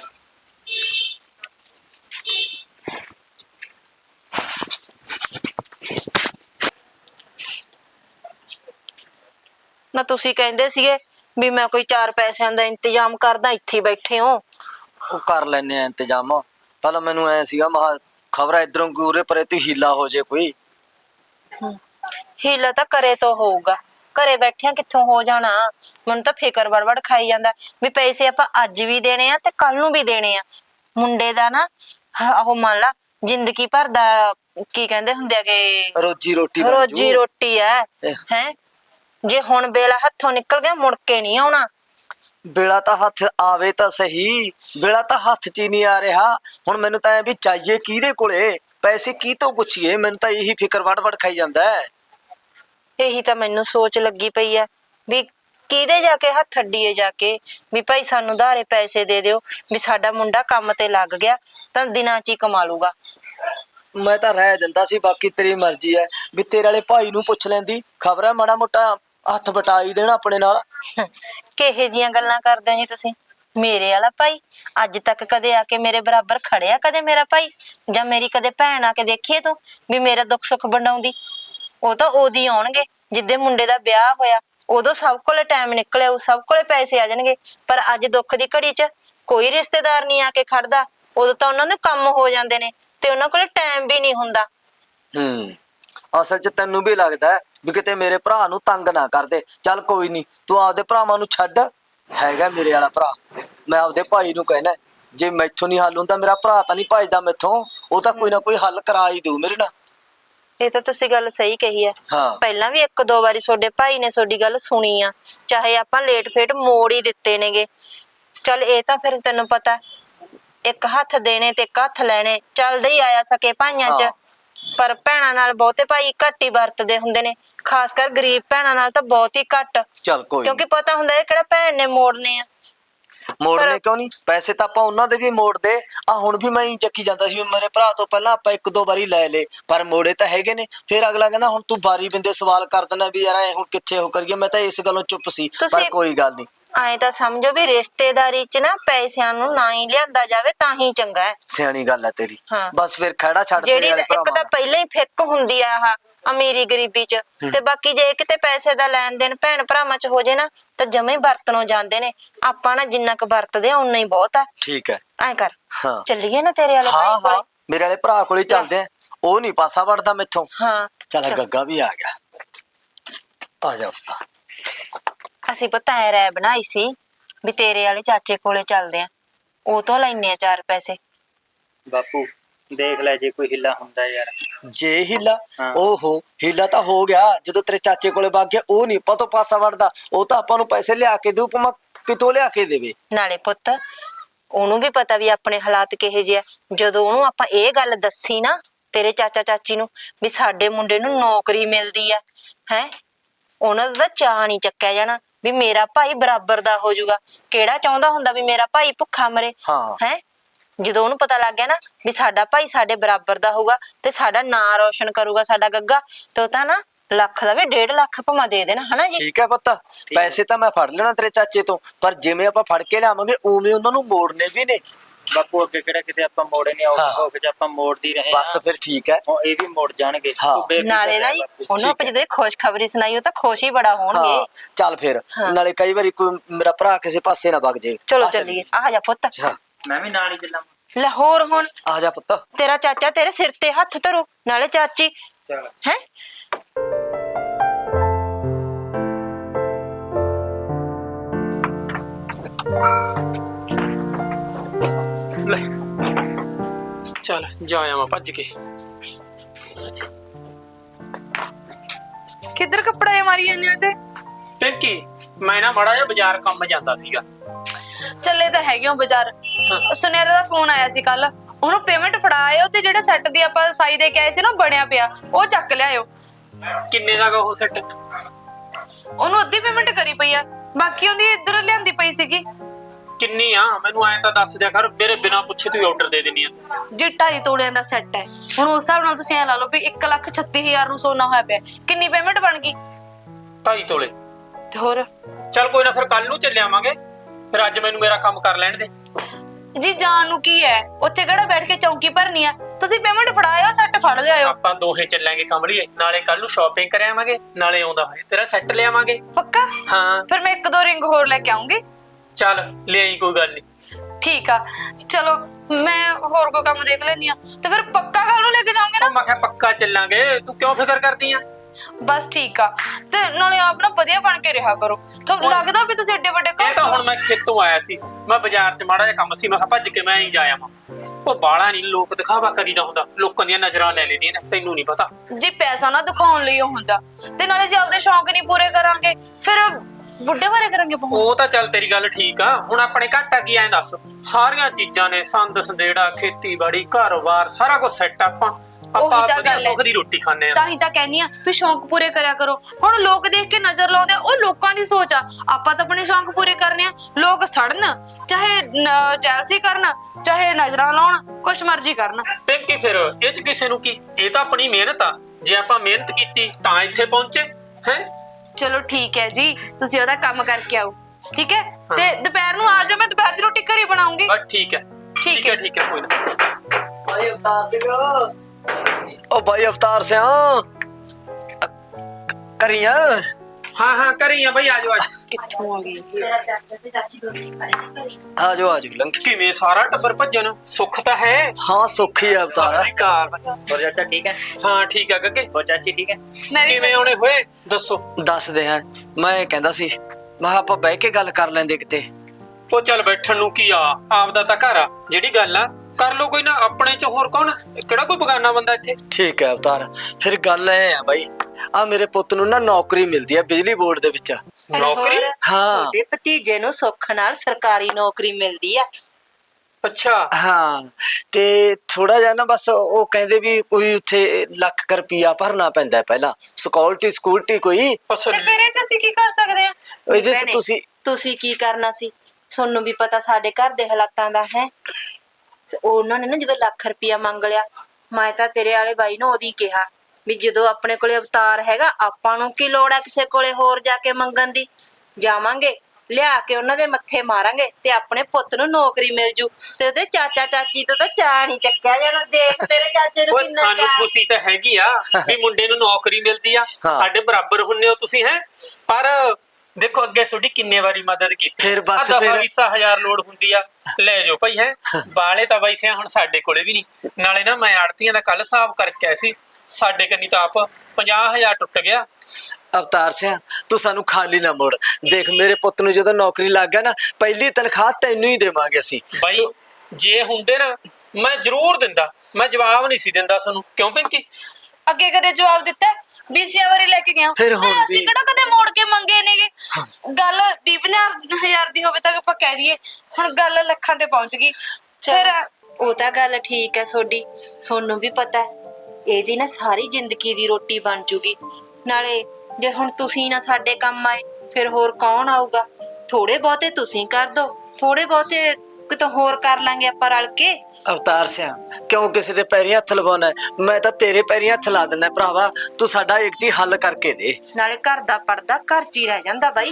Speaker 2: ਨਾ ਤੁਸੀਂ ਕਹਿੰਦੇ ਸੀਗੇ ਵੀ ਮੈਂ ਕੋਈ 4 ਪੈਸਿਆਂ ਦਾ ਇੰਤਜ਼ਾਮ ਕਰਦਾ, ਇੱਥੇ ਹੀ ਬੈਠੇ ਹੋ।
Speaker 1: ਉਹ ਕਰ ਲੈਨੇ ਆ ਇੰਤਜ਼ਾਮ। ਪਹਿਲਾਂ ਮੈਨੂੰ ਐ ਸੀਗਾ, ਮਹਾ ਖਬਰਾਂ ਇਧਰੋਂ ਕੋਈ ਉਰੇ ਪਰੇ ਤੂੰ ਹੀਲਾ ਹੋ ਜੇ ਕੋਈ।
Speaker 2: ਹੀਲਾ ਤਾਂ ਕਰੇ ਤੋਂ ਹੋਊਗਾ, ਘਰੇ ਬੈਠਿਆਂ ਕਿੱਥੋਂ ਹੋ ਜਾਣਾ। ਮੈਨੂੰ ਤਾਂ ਫਿਕਰ ਵੜ ਖਾਈ ਜਾਂਦਾ ਵੀ ਪੈਸੇ ਆਪਾਂ ਅੱਜ ਵੀ ਦੇਣੇ ਆ ਤੇ ਕੱਲ ਨੂੰ ਵੀ ਦੇਣੇ ਆ। ਮੁੰਡੇ ਦਾ ਨਾ ਉਹ ਮੰਨ ਲਾ ਜ਼ਿੰਦਗੀ ਭਰ ਦਾ ਕੀ ਕਹਿੰਦੇ ਹੁੰਦੇ ਆ ਕਿ
Speaker 1: ਰੋਜੀ ਰੋਟੀ ਬਣ
Speaker 2: ਰੋਜੀ
Speaker 1: ਜੂ।
Speaker 2: ਰੋਟੀ ਹੈ। ਜੇ ਹੁਣ ਵੇਲਾ ਹੱਥੋਂ ਨਿਕਲ ਗਿਆ ਮੁੜ ਕੇ ਨਹੀਂ ਆਉਣਾ।
Speaker 1: ਵੇਲਾ ਤਾਂ ਹੱਥ ਆਵੇ ਤਾਂ ਸਹੀ, ਵੇਲਾ ਤਾਂ ਹੱਥ 'ਚ ਹੀ ਨਹੀਂ ਆ ਰਿਹਾ। ਹੁਣ ਮੈਨੂੰ ਤਾਂ ਐ ਵੀ ਚਾਹੀਏ ਕਿਹਦੇ ਕੋਲੇ ਪੈਸੇ, ਕੀ ਤੋਂ ਪੁੱਛੀਏ? ਮੈਨੂੰ ਤਾਂ ਇਹੀ ਫਿਕਰ ਵੜ ਖਾਈ ਜਾਂਦਾ ਹੈ।
Speaker 2: ਇਹੀ ਤਾਂ ਮੈਨੂੰ ਸੋਚ ਲੱਗੀ ਪਈ ਆ ਵੀ ਕਿਹਦੇ ਜਾ ਕੇ ਹੱਥ ਅੱਡੀਏ ਜਾ ਕੇ ਵੀ ਭਾਈ ਸਾਨੂੰ ਉਧਾਰੇ ਪੈਸੇ ਦੇ ਦਿਓ, ਵੀ ਸਾਡਾ ਮੁੰਡਾ ਕੰਮ ਤੇ ਲੱਗ ਗਿਆ ਤਾਂ ਦਿਨਾਂ 'ਚ ਹੀ ਕਮਾ ਲੂਗਾ।
Speaker 1: ਮੈਂ ਤਾਂ ਰਹਿ ਦਿੰਦਾ ਸੀ, ਬਾਕੀ ਤੇਰੀ ਮਰਜ਼ੀ ਹੈ। ਵੀ ਤੇਰੇ ਵਾਲੇ ਭਾਈ ਨੂੰ ਪੁੱਛ ਲੈਂਦੀ, ਖਬਰ ਹੈ ਮਾੜਾ ਮੋਟਾ ਹੱਥ ਬਟਾਈ ਦੇਣਾ ਆਪਣੇ ਨਾਲ।
Speaker 2: ਕਿਹੇ ਜੀਆਂ ਗੱਲਾਂ ਕਰਦੇ ਹੋ ਜੀ ਤੁਸੀਂ? ਮੇਰੇ ਵਾਲਾ ਭਾਈ ਅੱਜ ਤੱਕ ਕਦੇ ਆ ਕੇ ਮੇਰੇ ਬਰਾਬਰ ਖੜਿਆ? ਕਦੇ ਮੇਰਾ ਭਾਈ ਜਾਂ ਮੇਰੀ ਕਦੇ ਭੈਣ ਆ ਕੇ ਦੇਖੀਏ ਤੂੰ ਵੀ ਮੇਰਾ ਦੁੱਖ ਸੁੱਖ ਵੰਡਾਉਂਦੀ? ਉਹ ਤਾਂ ਉਹਦੀ ਆਉਣਗੇ ਜਿੱਦੇ ਮੁੰਡੇ ਦਾ ਵਿਆਹ ਹੋਇਆ, ਉਦੋਂ ਸਭ ਕੋਲੇ ਟਾਈਮ ਨਿਕਲਿਆ, ਉਹ ਸਭ ਕੋਲੇ ਪੈਸੇ ਆ ਜਾਣਗੇ। ਪਰ ਅੱਜ ਦੁੱਖ ਦੀ ਘੜੀ 'ਚ ਕੋਈ ਰਿਸ਼ਤੇਦਾਰ ਨਹੀਂ ਆ ਕੇ ਖੜਦਾ। ਉਦੋਂ ਤਾਂ ਉਹਨਾਂ ਦੇ ਕੰਮ ਹੋ ਜਾਂਦੇ ਨੇ ਤੇ ਉਹਨਾਂ ਕੋਲੇ ਟਾਈਮ ਵੀ ਨਹੀਂ ਹੁੰਦਾ।
Speaker 1: ਅਸਲ 'ਚ ਤੈਨੂੰ ਵੀ ਲੱਗਦਾ ਹੈ ਵੀ ਕਿਤੇ ਮੇਰੇ ਭਰਾ ਨੂੰ ਤੰਗ ਨਾ ਕਰਦੇ। ਚੱਲ ਕੋਈ ਨਹੀਂ, ਤੂੰ ਆਪਦੇ ਭਰਾਵਾਂ ਨੂੰ ਛੱਡ, ਹੈਗਾ ਮੇਰੇ ਵਾਲਾ ਭਰਾ। ਮੈਂ ਆਪਦੇ ਭਾਈ ਨੂੰ ਕਹਿਣਾ, ਜੇ ਮੈਥੋਂ ਨਹੀਂ ਹੱਲ ਹੁੰਦਾ, ਮੇਰਾ ਭਰਾ ਤਾਂ ਨਹੀਂ ਭੱਜਦਾ ਮੈਥੋਂ, ਉਹ ਤਾਂ ਕੋਈ ਨਾ ਕੋਈ ਹੱਲ ਕਰਾ ਹੀ ਦਊ ਮੇਰੇ ਨਾਲ।
Speaker 2: ਇਹ ਤਾਂ ਤੁਸੀਂ ਗੱਲ ਸਹੀ ਕਹੀ ਹੈ।
Speaker 1: ਹਾਂ,
Speaker 2: ਪਹਿਲਾਂ ਵੀ 1-2 ਵਾਰੀ ਤੁਹਾਡੇ ਭਾਈ ਨੇ ਤੁਹਾਡੀ ਗੱਲ ਸੁਣੀ ਆ, ਚਾਹੇ ਆਪਾਂ ਲੇਟ ਫੇਟ ਮੋੜ ਹੀ ਦਿੱਤੇ ਨੇਗੇ। ਚੱਲ ਇਹ ਤਾਂ ਫਿਰ ਤੈਨੂੰ ਪਤਾ, ਇੱਕ ਹੱਥ ਦੇਣੇ ਤੇ ਇੱਕ ਹੱਥ ਲੈਣੇ ਚੱਲਦਾ ਹੀ ਆਇਆ ਸਕੇ ਭਾਈਆਂ 'ਚ। ਪਰ ਭੈਣਾਂ ਨਾਲ ਬਹੁਤੇ ਭਾਈ ਘੱਟ ਹੀ ਵਰਤਦੇ ਹੁੰਦੇ ਨੇ, ਖਾਸ ਕਰ ਗਰੀਬ ਭੈਣਾਂ ਨਾਲ ਤਾਂ ਬਹੁਤ ਹੀ ਘੱਟ,
Speaker 1: ਚੱਲ ਕੋਈ
Speaker 2: ਕਿਉਂਕਿ ਪਤਾ ਹੁੰਦਾ ਇਹ ਕਿਹੜਾ ਭੈਣ ਨੇ ਮੋੜਨੇ ਆ।
Speaker 1: ਮੋੜਨੇ ਕਿਉਂ ਨਹੀਂ, ਪੈਸੇ ਤਾਂ ਆਪਾਂ ਉਹਨਾਂ ਦੇ ਵੀ ਮੋੜਦੇ ਆ। ਹੁਣ ਵੀ ਮੈਂ ਹੀ ਚੱਕੀ ਜਾਂਦਾ ਸੀ ਵੀ ਮੇਰੇ ਭਰਾ ਤੋਂ ਪਹਿਲਾਂ ਆਪਾਂ ਇੱਕ ਦੋ ਵਾਰੀ ਲੈ ਲੇ, ਪਰ ਮੋੜੇ ਤਾਂ ਹੈਗੇ ਨੇ। ਫਿਰ ਅਗਲਾ ਕਹਿੰਦਾ ਹੁਣ ਤੂੰ ਬਾਰੀ ਬਿੰਦੇ ਸਵਾਲ ਕਰ ਦਿੰਦਾ ਵੀ ਯਾਰ ਐ ਹੁਣ ਕਿੱਥੇ ਉਹ ਕਰੀਏ। ਮੈਂ ਤਾਂ ਇਸ ਗੱਲੋਂ ਚੁੱਪ ਸੀ, ਪਰ
Speaker 2: ਤੁਸੀਂ-
Speaker 1: ਕੋਈ ਗੱਲ ਨਹੀਂ।
Speaker 2: ਐਂ ਤਾਂ ਸਮਝੋ ਵੀ ਰਿਸ਼ਤੇਦਾਰੀ 'ਚ ਨਾ ਪੈਸਿਆਂ ਨੂੰ ਨਾ ਹੀ ਲਿਆਂਦਾ ਜਾਵੇ ਤਾਂ ਹੀ ਚੰਗਾ ਹੈ।
Speaker 1: ਸਿਆਣੀ ਗੱਲ ਹੈ ਤੇਰੀ।
Speaker 2: ਹਾਂ।
Speaker 1: ਬਸ ਫਿਰ ਖੜਾ ਛੱਡ
Speaker 2: ਜਿਹੜੀ
Speaker 1: ਤੇਰੇ ਵਾਲੇ
Speaker 2: ਇੱਕ ਤਾਂ
Speaker 1: ਭਰਾਵਾਂ ਦਾ।
Speaker 2: ਪਹਿਲਾਂ ਹੀ ਫਿੱਕ ਹੁੰਦੀ ਆ ਆਹ ਅਮੀਰੀ ਗਰੀਬੀ 'ਚ, ਤੇ ਬਾਕੀ ਜੇ ਕਿਤੇ ਪੈਸੇ ਦਾ ਲੈਣ ਦੇਣ ਭੈਣ ਭਰਾਵਾਂ 'ਚ ਹੋ ਜੇ ਨਾ ਤਾਂ ਜਮੇ ਵਰਤਨੋਂ ਜਾਂਦੇ ਨੇ। ਆਪਾਂ ਨਾ ਜਿੰਨਾ ਕੁ ਵਰਤਦੇ ਆ ਉਨਾ ਹੀ ਬਹੁਤ ਆ।
Speaker 1: ਠੀਕ ਹੈ।
Speaker 2: ਐਂ ਕਰ,
Speaker 1: ਹਾਂ
Speaker 2: ਚੱਲੀਏ ਨਾ ਤੇਰੇ ਵਾਲੇ
Speaker 1: ਹਾਂ
Speaker 2: ਭਾਈ
Speaker 1: ਹਾਂ,
Speaker 2: ਕੋਲੇ।
Speaker 1: ਮੇਰੇ ਵਾਲੇ ਭਰਾ ਕੋਲੇ ਚੱਲਦੇ ਆ। ਉਹ ਨਹੀਂ ਪਾਸਾ ਵੜਦਾ ਮੈਥੋਂ।
Speaker 2: ਹਾਂ
Speaker 1: ਚੱਲ ਗੱਗਾ ਵੀ ਆ ਗਿਆ। ਆ ਜਾ ਪੁੱਤ।
Speaker 2: ਅਸੀਂ ਪਤਾ ਐ ਰਾਇ ਬਣਾਈ ਸੀ ਵੀ ਤੇਰੇ ਵਾਲੇ ਚਾਚੇ ਕੋਲੇ ਚੱਲਦੇ ਆ, ਉਹ ਤੋਂ ਲੈਣੇ ਆ 4 ਪੈਸੇ।
Speaker 3: ਬਾਪੂ ਦੇਖ ਲੈ ਜੇ ਕੋਈ ਹਿੱਲਾ ਹੁੰਦਾ ਯਾਰ।
Speaker 1: ਜੇ ਹੀਲਾ,
Speaker 3: ਹਾਂ।
Speaker 1: ਓਹੋ ਹੀਲਾ ਤਾਂ ਹੋ ਗਿਆ ਜਦੋਂ ਤੇਰੇ ਚਾਚੇ ਕੋਲੇ ਵਗ ਗਿਆ। ਉਹ ਨਹੀਂ ਆਪਾਂ ਤੋਂ ਪਾਸਾ ਵੜਦਾ, ਉਹ ਤਾਂ ਆਪਾਂ ਨੂੰ ਪੈਸੇ ਲਿਆ ਕੇ ਦੇਊ, ਭਾਵੇਂ ਕਿਤੋਂ ਲਿਆ ਕੇ ਦੇਵੇ।
Speaker 2: ਨਾਲੇ ਪੁੱਤ ਉਹਨੂੰ ਵੀ ਪਤਾ ਵੀ ਆਪਣੇ ਹਾਲਾਤ ਕਿਹੋ ਜਿਹੇ ਆ। ਜਦੋਂ ਉਹਨੂੰ ਆਪਾਂ ਇਹ ਗੱਲ ਦੱਸੀ ਨਾ ਤੇਰੇ ਚਾਚਾ ਚਾਚੀ ਨੂੰ ਵੀ ਸਾਡੇ ਮੁੰਡੇ ਨੂੰ ਨੌਕਰੀ ਮਿਲਦੀ ਆ, ਹੈ ਉਹਨਾਂ ਦਾ ਤਾਂ ਚਾਅ ਨਹੀਂ ਚੱਕਿਆ ਜਾਣਾ ਵੀ ਮੇਰਾ ਭਾਈ ਬਰਾਬਰ ਦਾ ਹੋ ਜਾਊਗਾ। ਕਿਹੜਾ ਚਾਹੁੰਦਾ ਹੁੰਦਾ ਵੀ ਮੇਰਾ ਭਾਈ ਭੁੱਖਾ ਮਰੇ।
Speaker 1: ਹਾਂ।
Speaker 2: ਹੈ ਜਦੋਂ ਉਹਨੂੰ ਪਤਾ ਲੱਗ ਗਿਆ ਨਾ ਵੀ ਸਾਡਾ ਭਾਈ ਸਾਡੇ ਬਰਾਬਰ ਦਾ ਹੋਊਗਾ ਤੇ ਸਾਡਾ ਨਾਂ ਰੋਸ਼ਨ ਕਰੂਗਾ ਸਾਡਾ ਗੱਗਾ, ਤੇ ਉਹ ਤਾਂ ਨਾ ਲੱਖ ਦਾ ਵੀ 1.5 ਲੱਖ ਭਾਵੇਂ ਦੇ ਦੇਣਾ, ਹਨਾ ਜੀ।
Speaker 1: ਠੀਕ ਹੈ ਪੁੱਤ, ਪੈਸੇ ਤਾਂ ਮੈਂ ਫੜ ਲੈਣਾ ਤੇਰੇ ਚਾਚੇ ਤੋਂ, ਪਰ ਜਿਵੇਂ ਆਪਾਂ ਫੜ ਕੇ ਲਿਆਵਾਂਗੇ ਉਵੇਂ ਉਹਨਾਂ ਨੂੰ ਮੋੜਨੇ ਵੀ ਨੇ।
Speaker 3: ਬਾਪੂ ਅੱਗੇ ਕਿਹੜਾ ਕਿਤੇ ਆਪਾਂ ਮੋੜੇ ਨਹੀਂ,
Speaker 1: ਹਾਂ।
Speaker 3: ਔਖ ਸੌਖ ਚ ਆਪਾਂ ਮੋੜਦੀ ਰਹੇ
Speaker 1: ਬਸ ਫਿਰ ਠੀਕ ਹੈ।
Speaker 3: ਹੁਣ ਇਹ ਵੀ ਮੁੜ ਜਾਣਗੇ।
Speaker 1: ਹਾਂ।
Speaker 3: ਤੂੰ ਬੇਫਿਕਰ
Speaker 2: ਨਾਲੇ ਨਾ
Speaker 3: ਰਹਿ
Speaker 2: ਜੀ
Speaker 3: ਬਾਪੂ।
Speaker 2: ਉਹਨੂੰ ਆਪਾਂ
Speaker 1: ਠੀਕ
Speaker 2: ਜਦੋਂ ਇਹ ਖੁਸ਼ਖਬਰੀ ਸੁਣਾਈ ਉਹ ਤਾਂ ਖੁਸ਼ ਹੀ ਬੜਾ ਹੋਣਗੇ।
Speaker 1: ਹਾਂ ਚੱਲ ਫਿਰ।
Speaker 2: ਹਾਂ।
Speaker 1: ਨਾਲੇ ਕਈ ਵਾਰੀ ਕੋਈ ਮੇਰਾ ਭਰਾ ਕਿਸੇ ਪਾਸੇ ਨਾ ਵਗ ਜੇ।
Speaker 2: ਚਲੋ
Speaker 1: ਆ
Speaker 2: ਚੱਲੀਏ, ਆ ਜਾ ਪੁੱਤ।
Speaker 1: ਅੱਛਾ
Speaker 3: ਮੈਂ ਵੀ ਨਾਲ ਹੀ ਚੱਲਾਂ।
Speaker 2: ਲਾਹੌਰ ਹੁਣ
Speaker 1: ਆ ਜਾ ਪੁੱਤ।
Speaker 2: ਤੇਰਾ ਚਾਚਾ ਤੇਰੇ ਸਿਰ ਤੇ ਹੱਥ ਧਰੂ, ਨਾਲੇ ਚਾਚੀ
Speaker 3: ਚਲ
Speaker 2: ਹੈ।
Speaker 5: ਚੱਲ ਜਾ ਆਵਾਂ ਭੱਜ ਕੇ।
Speaker 4: ਕਿੱਧਰ ਕੱਪੜਾ ਜਿਹਾ ਮਾਰੀ ਜਾਂਦੇ ਹੋ ਤੇ?
Speaker 5: ਪਿੰਕੀ ਮੈਂ ਨਾ ਮਾੜਾ ਜਿਹਾ ਬਾਜ਼ਾਰ ਕੰਮ ਜਾਂਦਾ ਸੀਗਾ।
Speaker 4: ਚੱਲੇ ਤਾਂ ਹੈਗੇ ਹੋ ਬਾਜ਼ਾਰ। ਸੁਨਿਆਰੇ ਦਾ ਫੋਨ ਆਇਆ ਸੀ ਕੱਲ, ਉਹਨੂੰ ਪੇਮੈਂਟ ਫੜਾ ਆਇਓ ਤੇ ਜਿਹੜਾ ਸੈੱਟ ਦੀ ਆਪਾਂ ਸਾਈ ਦੇ ਕੇ ਆਏ ਸੀ ਨਾ ਬਣਿਆ ਪਿਆ ਉਹ ਚੱਕ ਲਿਆਇਓ।
Speaker 5: ਕਿੰਨੇ ਦਾ ਗਾ ਉਹ ਸੈੱਟ?
Speaker 4: ਉਹਨੂੰ ਅੱਧੀ ਪੇਮੈਂਟ ਕਰੀ ਪਈ ਆ, ਬਾਕੀ ਉਹਦੀ ਇੱਧਰ ਲਿਆਂਦੀ ਪਈ ਸੀਗੀ।
Speaker 5: ਕਿੰਨੀ ਆ ਮੈਨੂੰ ਐਂ ਤਾਂ ਦੱਸ ਦਿਆ ਕਰ, ਮੇਰੇ ਬਿਨਾਂ ਪੁੱਛੇ ਤੂੰ ਆਰਡਰ ਦੇ ਦਿੰਨੀ ਆ ਤੂੰ।
Speaker 4: ਜੀ 2.5 ਤੋਲਿਆਂ ਦਾ ਸੈੱਟ ਹੈ। ਹੁਣ ਉਸ ਹਿਸਾਬ ਨਾਲ ਤੁਸੀਂ ਐ ਲਾ ਲਓ ਵੀ 1,36,000 ਨੂੰ ਸੋਨਾ ਹੋਇਆ ਪਿਆ। ਕਿੰਨੀ ਪੇਮੈਂਟ ਬਣ ਗਈ?
Speaker 5: 2.5 ਤੋਲੇ।
Speaker 4: ਤੇ ਹੋਰ
Speaker 5: ਚੱਲ ਕੋਈ ਨਾ, ਫਿਰ ਕੱਲ ਨੂੰ ਚੱਲੇ ਆਵਾਂਗੇ। ਫਿਰ ਅੱਜ ਮੈਨੂੰ ਮੇਰਾ ਕੰਮ ਕਰ ਲੈਣ ਦੇ।
Speaker 4: ਜੀ ਜਾਣ ਨੂੰ ਕੀ ਹੈ, ਉੱਥੇ ਕਿਹੜਾ ਬੈਠ ਕੇ ਚੌਂਕੀ ਭਰਨੀ ਆ। ਤੁਸੀਂ ਪੇਮੈਂਟ ਫੜਾਇਓ, ਸੈੱਟ ਫੜ ਲਿਆਇਓ।
Speaker 5: ਆਪਾਂ ਦੋਹੇ ਚੱਲਾਂਗੇ ਕਮਲੀਏ, ਨਾਲੇ ਕੱਲ ਨੂੰ ਸ਼ਾਪਿੰਗ ਕਰ ਆਵਾਂਗੇ, ਨਾਲੇ ਆਉਂਦਾ ਹੋਏ ਤੇਰਾ ਸੈੱਟ ਲੈ ਆਵਾਂਗੇ।
Speaker 4: ਪੱਕਾ?
Speaker 5: ਹਾਂ
Speaker 4: ਫਿਰ ਮੈਂ 1-2 ਰਿੰਗ ਹੋਰ ਲੈ ਕੇ ਆਉਂਗੀ।
Speaker 5: ਚੱਲ ਲੈ ਆਈ, ਕੋਈ ਗੱਲ ਨਹੀਂ।
Speaker 4: ਠੀਕ ਆ, ਚਲੋ ਮੈਂ ਹੋਰ ਕੋਈ ਕੰਮ ਦੇਖ ਲੈਣੀ ਆ। ਤੇ ਫਿਰ ਪੱਕਾ ਕੱਲ ਨੂੰ ਲੈ ਕੇ ਜਾਓਗੇ ਨਾ?
Speaker 5: ਉਹ ਮੈਂ ਕਿਹਾ ਪੱਕਾ ਚੱਲਾਂਗੇ, ਤੂੰ ਕਿਉਂ ਫਿਕਰ ਕਰਦੀ ਆ?
Speaker 4: ਬਸ ਠੀਕ ਆ। ਤੇ ਨਾਲੇ ਆਪ ਨਾ ਵਧੀਆ ਬਣ ਕੇ ਰਿਹਾ ਕਰੋ। ਤੁਹਾਨੂੰ ਲੱਗਦਾ ਵੀ ਤੁਸੀਂ ਏਡੇ ਵੱਡੇ
Speaker 5: ਇਹ ਤਾਂ ਹੁਣ ਮੈਂ ਖੇਤੋਂ ਆਇਆ ਸੀ, ਮੈਂ ਬਾਜ਼ਾਰ 'ਚ ਮਾੜਾ ਜਿਹਾ ਕੰਮ ਸੀ, ਮੈਂ ਕਿਹਾ ਭੱਜ ਕੇ ਮੈਂ ਹੀ ਜਾ ਆਵਾਂ। ਉਹ ਬਾਲਾ ਨਹੀਂ ਲੋਕ ਦਿਖਾਵਾ ਕਰੀਦਾ ਹੁੰਦਾ, ਲੋਕਾਂ ਦੀਆਂ ਨਜ਼ਰਾਂ ਲੈ ਲੈਂਦੀਆਂ ਨੇ, ਤੈਨੂੰ ਨਹੀਂ ਪਤਾ।
Speaker 4: ਜੀ ਪੈਸਾ ਨਾ ਦਿਖਾਉਣ ਲਈ ਉਹ ਹੁੰਦਾ, ਤੇ ਨਾਲੇ ਜੇ ਆਪਦੇ ਸ਼ੌਂਕ ਨਹੀਂ ਪੂਰੇ ਕਰਾਂਗੇ ਫਿਰ ਬੁੱਢੇ ਬਾਰੇ ਕਰਾਂਗੇ ਬਹੁਤ।
Speaker 5: ਉਹ ਤਾਂ ਚੱਲ ਤੇਰੀ ਗੱਲ ਠੀਕ ਆ। ਹੁਣ ਆਪਣੇ ਘਾਟਾ ਕੀ ਐਂ ਦੱਸ, ਸਾਰੀਆਂ ਚੀਜ਼ਾਂ ਨੇ, ਸੰਦ ਸੰਦੇੜਾ, ਖੇਤੀਬਾੜੀ, ਘਰ-ਬਾਰ, ਸਾਰਾ ਕੁਝ ਸੈੱਟ। ਆਪਾਂ
Speaker 4: ਉਹੀ ਤਾਂ
Speaker 5: ਵਧੀਆ
Speaker 4: ਗੱਲ ਹੈ।
Speaker 5: ਸੁੱਖ ਦੀ ਰੋਟੀ ਖਾਂਦੇ ਆ।
Speaker 4: ਤਾਂ ਹੀ ਤਾਂ ਕਹਿੰਨੀ ਆ ਵੀ ਸ਼ੌਂਕ ਪੂਰੇ ਕਰਿਆ ਕਰੋ। ਹੁਣ ਲੋਕ ਦੇਖ ਕੇ ਨਜ਼ਰ ਲਾਉਂਦੇ ਆ, ਉਹ ਲੋਕਾਂ ਦੀ ਸੋਚ ਆ। ਆਪਾਂ ਤਾਂ ਆਪਣੇ ਸ਼ੌਂਕ ਪੂਰੇ ਕਰਨੇ ਆ। ਲੋਕ ਸੜਨ ਚਾਹੇ ਜੈਲਸੀ ਕਰਨ, ਚਾਹੇ ਨਜ਼ਰਾਂ ਲਾਉਣ, ਕੁਛ ਮਰਜ਼ੀ ਕਰਨ।
Speaker 5: ਪਿੰਕੀ ਫਿਰ ਇਹ 'ਚ ਕਿਸੇ ਨੂੰ ਕੀ, ਇਹ ਤਾਂ ਆਪਣੀ ਮਿਹਨਤ ਆ। ਜੇ ਆਪਾਂ ਮਿਹਨਤ ਕੀਤੀ ਤਾਂ ਇੱਥੇ ਪਹੁੰਚੇ ਹੈ।
Speaker 4: ਚਲੋ ਠੀਕ ਹੈ ਜੀ, ਤੁਸੀਂ ਉਹਦਾ ਕੰਮ ਕਰਕੇ ਆਓ। ਠੀਕ ਹੈ, ਤੇ ਦੁਪਹਿਰ ਨੂੰ ਆ ਜਾਓ, ਮੈਂ ਦੁਪਹਿਰ ਦੀ ਰੋਟੀ ਘਰੇ ਬਣਾਉਂਗੀ।
Speaker 5: ਬਸ ਠੀਕ ਹੈ
Speaker 4: ਠੀਕ ਹੈ।
Speaker 5: ਠੀਕ ਹੈ, ਕੋਈ ਨਾ।
Speaker 1: ਭਾਈ ਅਵਤਾਰ ਸਿੰਘ, ਉਹ ਭਾਈ ਅਵਤਾਰ ਸਿੰਘ ਕਰੀਆਂ।
Speaker 5: ਹਾਂ ਹਾਂ ਕਰੀ ਆ ਬਈ, ਆ ਜਾਓ
Speaker 4: ਕਿੱਥੋਂ ਆ ਗਈ?
Speaker 1: ਆ ਜਾਓ ਲੰਘ।
Speaker 5: ਕਿਵੇਂ ਸਾਰਾ ਟੱਬਰ ਭੱਜਣ? ਸੁੱਖ ਤਾਂ ਹੈ।
Speaker 1: ਹਾਂ ਸੁੱਖੀ ਆ ਅਵਤਾਰ।
Speaker 3: ਹੋਰ ਚਾਚਾ ਠੀਕ ਹੈ?
Speaker 5: ਹਾਂ ਠੀਕ ਆ ਗੱਗੇ।
Speaker 3: ਹੋਰ ਚਾਚੀ ਠੀਕ ਹੈ?
Speaker 4: ਮੈਂ ਵੀ
Speaker 5: ਕਿਵੇਂ ਆਉਣੇ ਹੋਏ ਦੱਸੋ?
Speaker 1: ਦੱਸਦੇ ਹਾਂ। ਮੈਂ ਕਹਿੰਦਾ ਸੀ ਮੈਂ ਕਿਹਾ ਆਪਾਂ ਬਹਿ ਕੇ ਗੱਲ ਕਰ ਲੈਂਦੇ ਕਿਤੇ।
Speaker 5: ਉਹ ਚੱਲ ਬੈਠਣ ਨੂੰ ਕੀ ਆ, ਆਪਦਾ ਤਾਂ ਘਰ ਆ। ਜਿਹੜੀ ਗੱਲ ਆ ਕਰ ਲੋ, ਕੋਈ ਨਾ। ਆਪਣੇ ਚ ਹੋਰ ਕੌਣ, ਕਿਹੜਾ ਕੋਈ ਬਗਾਨਾ ਬੰਦਾ ਇੱਥੇ।
Speaker 1: ਠੀਕ ਹੈ ਅਵਤਾਰ, ਫਿਰ ਗੱਲ ਇਹ ਆ ਬਾਈ, ਆ ਮੇਰੇ ਪੁੱਤ ਨੂੰ ਨਾ ਨੌਕਰੀ ਮਿਲਦੀ ਆ ਬਿਜਲੀ ਬੋਰਡ ਦੇ ਵਿੱਚ।
Speaker 5: ਨੌਕਰੀ?
Speaker 1: ਹਾਂ
Speaker 2: ਉਹਦੇ ਭਤੀਜੇ ਨੂੰ ਸੁੱਖ ਨਾਲ ਸਰਕਾਰੀ ਨੌਕਰੀ ਮਿਲਦੀ ਆ।
Speaker 5: ਅੱਛਾ
Speaker 1: ਹਾਂ ਤੇ ਥੋੜਾ ਜਿਹਾ ਨਾ ਬਸ ਉਹ ਕਹਿੰਦੇ ਵੀ ਕੋਈ ਉੱਥੇ ਲੱਖ ਕੁ ਰੁਪਈਆ ਭਰਨਾ ਪੈਂਦਾ ਪਹਿਲਾਂ, ਸਿਕਿਉਰਿਟੀ ਕੋਈ
Speaker 5: ਅਸਲ
Speaker 4: ਤੇ ਫਿਰ ਇਹ ਚ ਅਸੀਂ ਕੀ ਕਰ ਸਕਦੇ ਆ?
Speaker 1: ਇਹਦੇ ਚ
Speaker 2: ਭੈਣੇ,
Speaker 1: ਤੁਸੀਂ
Speaker 2: ਤੁਸੀਂ ਕੀ ਕਰਨਾ ਸੀ? ਤੁਹਾਨੂੰ ਵੀ ਪਤਾ ਸਾਡੇ ਘਰ ਦੇ ਹਾਲਾਤਾਂ ਦਾ ਹੈ। ਉਹਨਾਂ ਨੇ ਨਾ ਜਦੋਂ ਲੱਖ ਰੁਪਇਆ ਮੰਗ ਲਿਆ, ਮੈਂ ਤਾਂ ਤੇਰੇ ਵਾਲੇ ਬਾਈ ਨੂੰ ਉਹਦੀ ਕਿਹਾ ਵੀ ਜਦੋਂ ਆਪਣੇ ਕੋਲੇ ਅਵਤਾਰ ਹੈਗਾ, ਆਪਾਂ ਨੂੰ ਕੀ ਲੋੜ ਹੈ ਕਿਸੇ ਕੋਲੇ ਹੋਰ ਜਾ ਕੇ ਮੰਗਣ ਦੀ। ਜਾਵਾਂਗੇ ਲਿਆ ਕੇ ਉਹਨਾਂ ਦੇ ਮੱਥੇ ਮਾਰਾਂਗੇ ਤੇ ਆਪਣੇ ਪੁੱਤ ਨੂੰ ਨੌਕਰੀ ਮਿਲ ਜੂ ਤੇ ਉਹਦੇ ਚਾਚਾ ਚਾਚੀ ਤੋਂ ਤਾਂ ਚਾਹ ਨਹੀਂ ਚੱਕਿਆ ਜਾਣਾ। ਦੇਖ ਤੇਰੇ ਚਾਚੇ ਨੂੰ
Speaker 5: ਉਹ
Speaker 2: ਕਿੰਨਾ
Speaker 5: ਸਾਨੂੰ
Speaker 2: ਚਾਅ।
Speaker 5: ਖੁਸ਼ੀ ਤਾਂ ਹੈਗੀ ਆ ਵੀ ਮੁੰਡੇ ਨੂੰ ਨੌਕਰੀ ਮਿਲਦੀ ਆ,
Speaker 1: ਹਾਂ।
Speaker 5: ਸਾਡੇ ਬਰਾਬਰ ਹੁੰਨੇ ਹੋ ਤੁਸੀਂ ਹੈ। ਪਰ ਦੇਖੋ ਅੱਗੇ ਤੁਹਾਡੀ ਕਿੰਨੇ ਵਾਰੀ ਮਦਦ ਕੀਤੀ,
Speaker 1: ਫਿਰ ਬਸ
Speaker 5: ਆਹ
Speaker 1: ਫਿਰ-
Speaker 5: 10,000 ਲੋੜ ਹੁੰਦੀ ਆ ਲੈ ਜਾਓ ਭਾਈ ਹੈ। ਬਾਲੇ ਤਾਂ ਬਾਈ ਸਿਆ ਹੁਣ ਸਾਡੇ ਕੋਲੇ ਵੀ ਨਹੀਂ। ਨਾਲੇ ਨਾ ਮੈਂ ਆੜਤੀਆਂ ਦਾ ਕੱਲ ਹਿਸਾਬ ਕਰਕੇ ਆਇਆ ਸੀ, ਸਾਡੇ ਕੰਨੀ ਤਾਂ ਆਪ 50,000 ਟੁੱਟ ਗਿਆ।
Speaker 1: ਅਵਤਾਰ ਸਿਆ ਤੂੰ ਸਾਨੂੰ ਖਾਲੀ ਨਾ ਮੋੜ। ਦੇਖ ਮੇਰੇ ਪੁੱਤ ਨੂੰ ਜਦੋਂ ਨੌਕਰੀ ਲੱਗ ਗਿਆ ਨਾ, ਪਹਿਲੀ ਤਨਖਾਹ ਤੈਨੂੰ ਹੀ ਦੇਵਾਂਗੇ ਅਸੀਂ।
Speaker 5: ਬਾਈ ਜੇ ਹੁੰਦੇ ਨਾ ਮੈਂ ਜ਼ਰੂਰ ਦਿੰਦਾ, ਮੈਂ ਜਵਾਬ ਨਹੀਂ ਸੀ ਦਿੰਦਾ ਤੁਹਾਨੂੰ। ਕਿਉਂ ਪਿੰਕੀ?
Speaker 4: ਅੱਗੇ ਕਦੇ ਜਵਾਬ ਦਿੱਤਾ? 20 ਵਾਰੀ ਲੈ ਕੇ ਗਿਆ।
Speaker 1: ਫਿਰ ਹੁਣ
Speaker 4: ਅਸੀਂ
Speaker 1: ਵੀ-
Speaker 4: ਕਿਹੜਾ ਕਦੇ ਮੋੜ ਕੇ ਮੰਗੇ ਨੇਗੇ। ਗੱਲ 20-50,000 ਦੀ ਹੋਵੇ ਤਾਂ ਆਪਾਂ ਕਹਿ ਦਈਏ, ਹੁਣ ਗੱਲ ਲੱਖਾਂ ਤੇ ਪਹੁੰਚ ਗਈ। ਫਿਰ
Speaker 2: ਉਹ ਤਾਂ ਗੱਲ ਠੀਕ ਹੈ ਤੁਹਾਡੀ, ਤੁਹਾਨੂੰ ਵੀ ਪਤਾ ਹੈ ਇਹਦੀ ਨਾ ਸਾਰੀ ਜ਼ਿੰਦਗੀ ਦੀ ਰੋਟੀ ਬਣ ਜੂਗੀ। ਨਾਲੇ ਜੇ ਹੁਣ ਤੁਸੀਂ ਨਾ ਸਾਡੇ ਕੰਮ ਆਏ ਫਿਰ ਹੋਰ ਕੌਣ ਆਊਗਾ? ਥੋੜੇ ਬਹੁਤੇ ਤੁਸੀਂ ਕਰ ਦੋ, ਥੋੜੇ ਬਹੁਤੇ ਕਿਤੋਂ ਹੋਰ ਕਰ ਲਾਂਗੇ ਆਪਾਂ ਰਲ ਕੇ।
Speaker 1: ਅਵਤਾਰ ਸਿਆ ਕਿਉਂ ਕਿਸੇ ਦੇ ਪੈਰੀਂ ਹੱਥ ਲਵਾਉਣਾ ਹੈ? ਮੈਂ ਤਾਂ ਤੇਰੇ ਪੈਰੀਂ ਹੱਥ ਲਾ ਦਿੰਦਾ ਭਰਾਵਾ, ਤੂੰ ਸਾਡਾ ਇੱਕਤੀ ਹੱਲ ਕਰਕੇ ਦੇ।
Speaker 2: ਨਾਲੇ ਘਰ ਦਾ ਪਰਦਾ ਘਰ 'ਚ ਹੀ ਰਹਿ ਜਾਂਦਾ ਬਾਈ।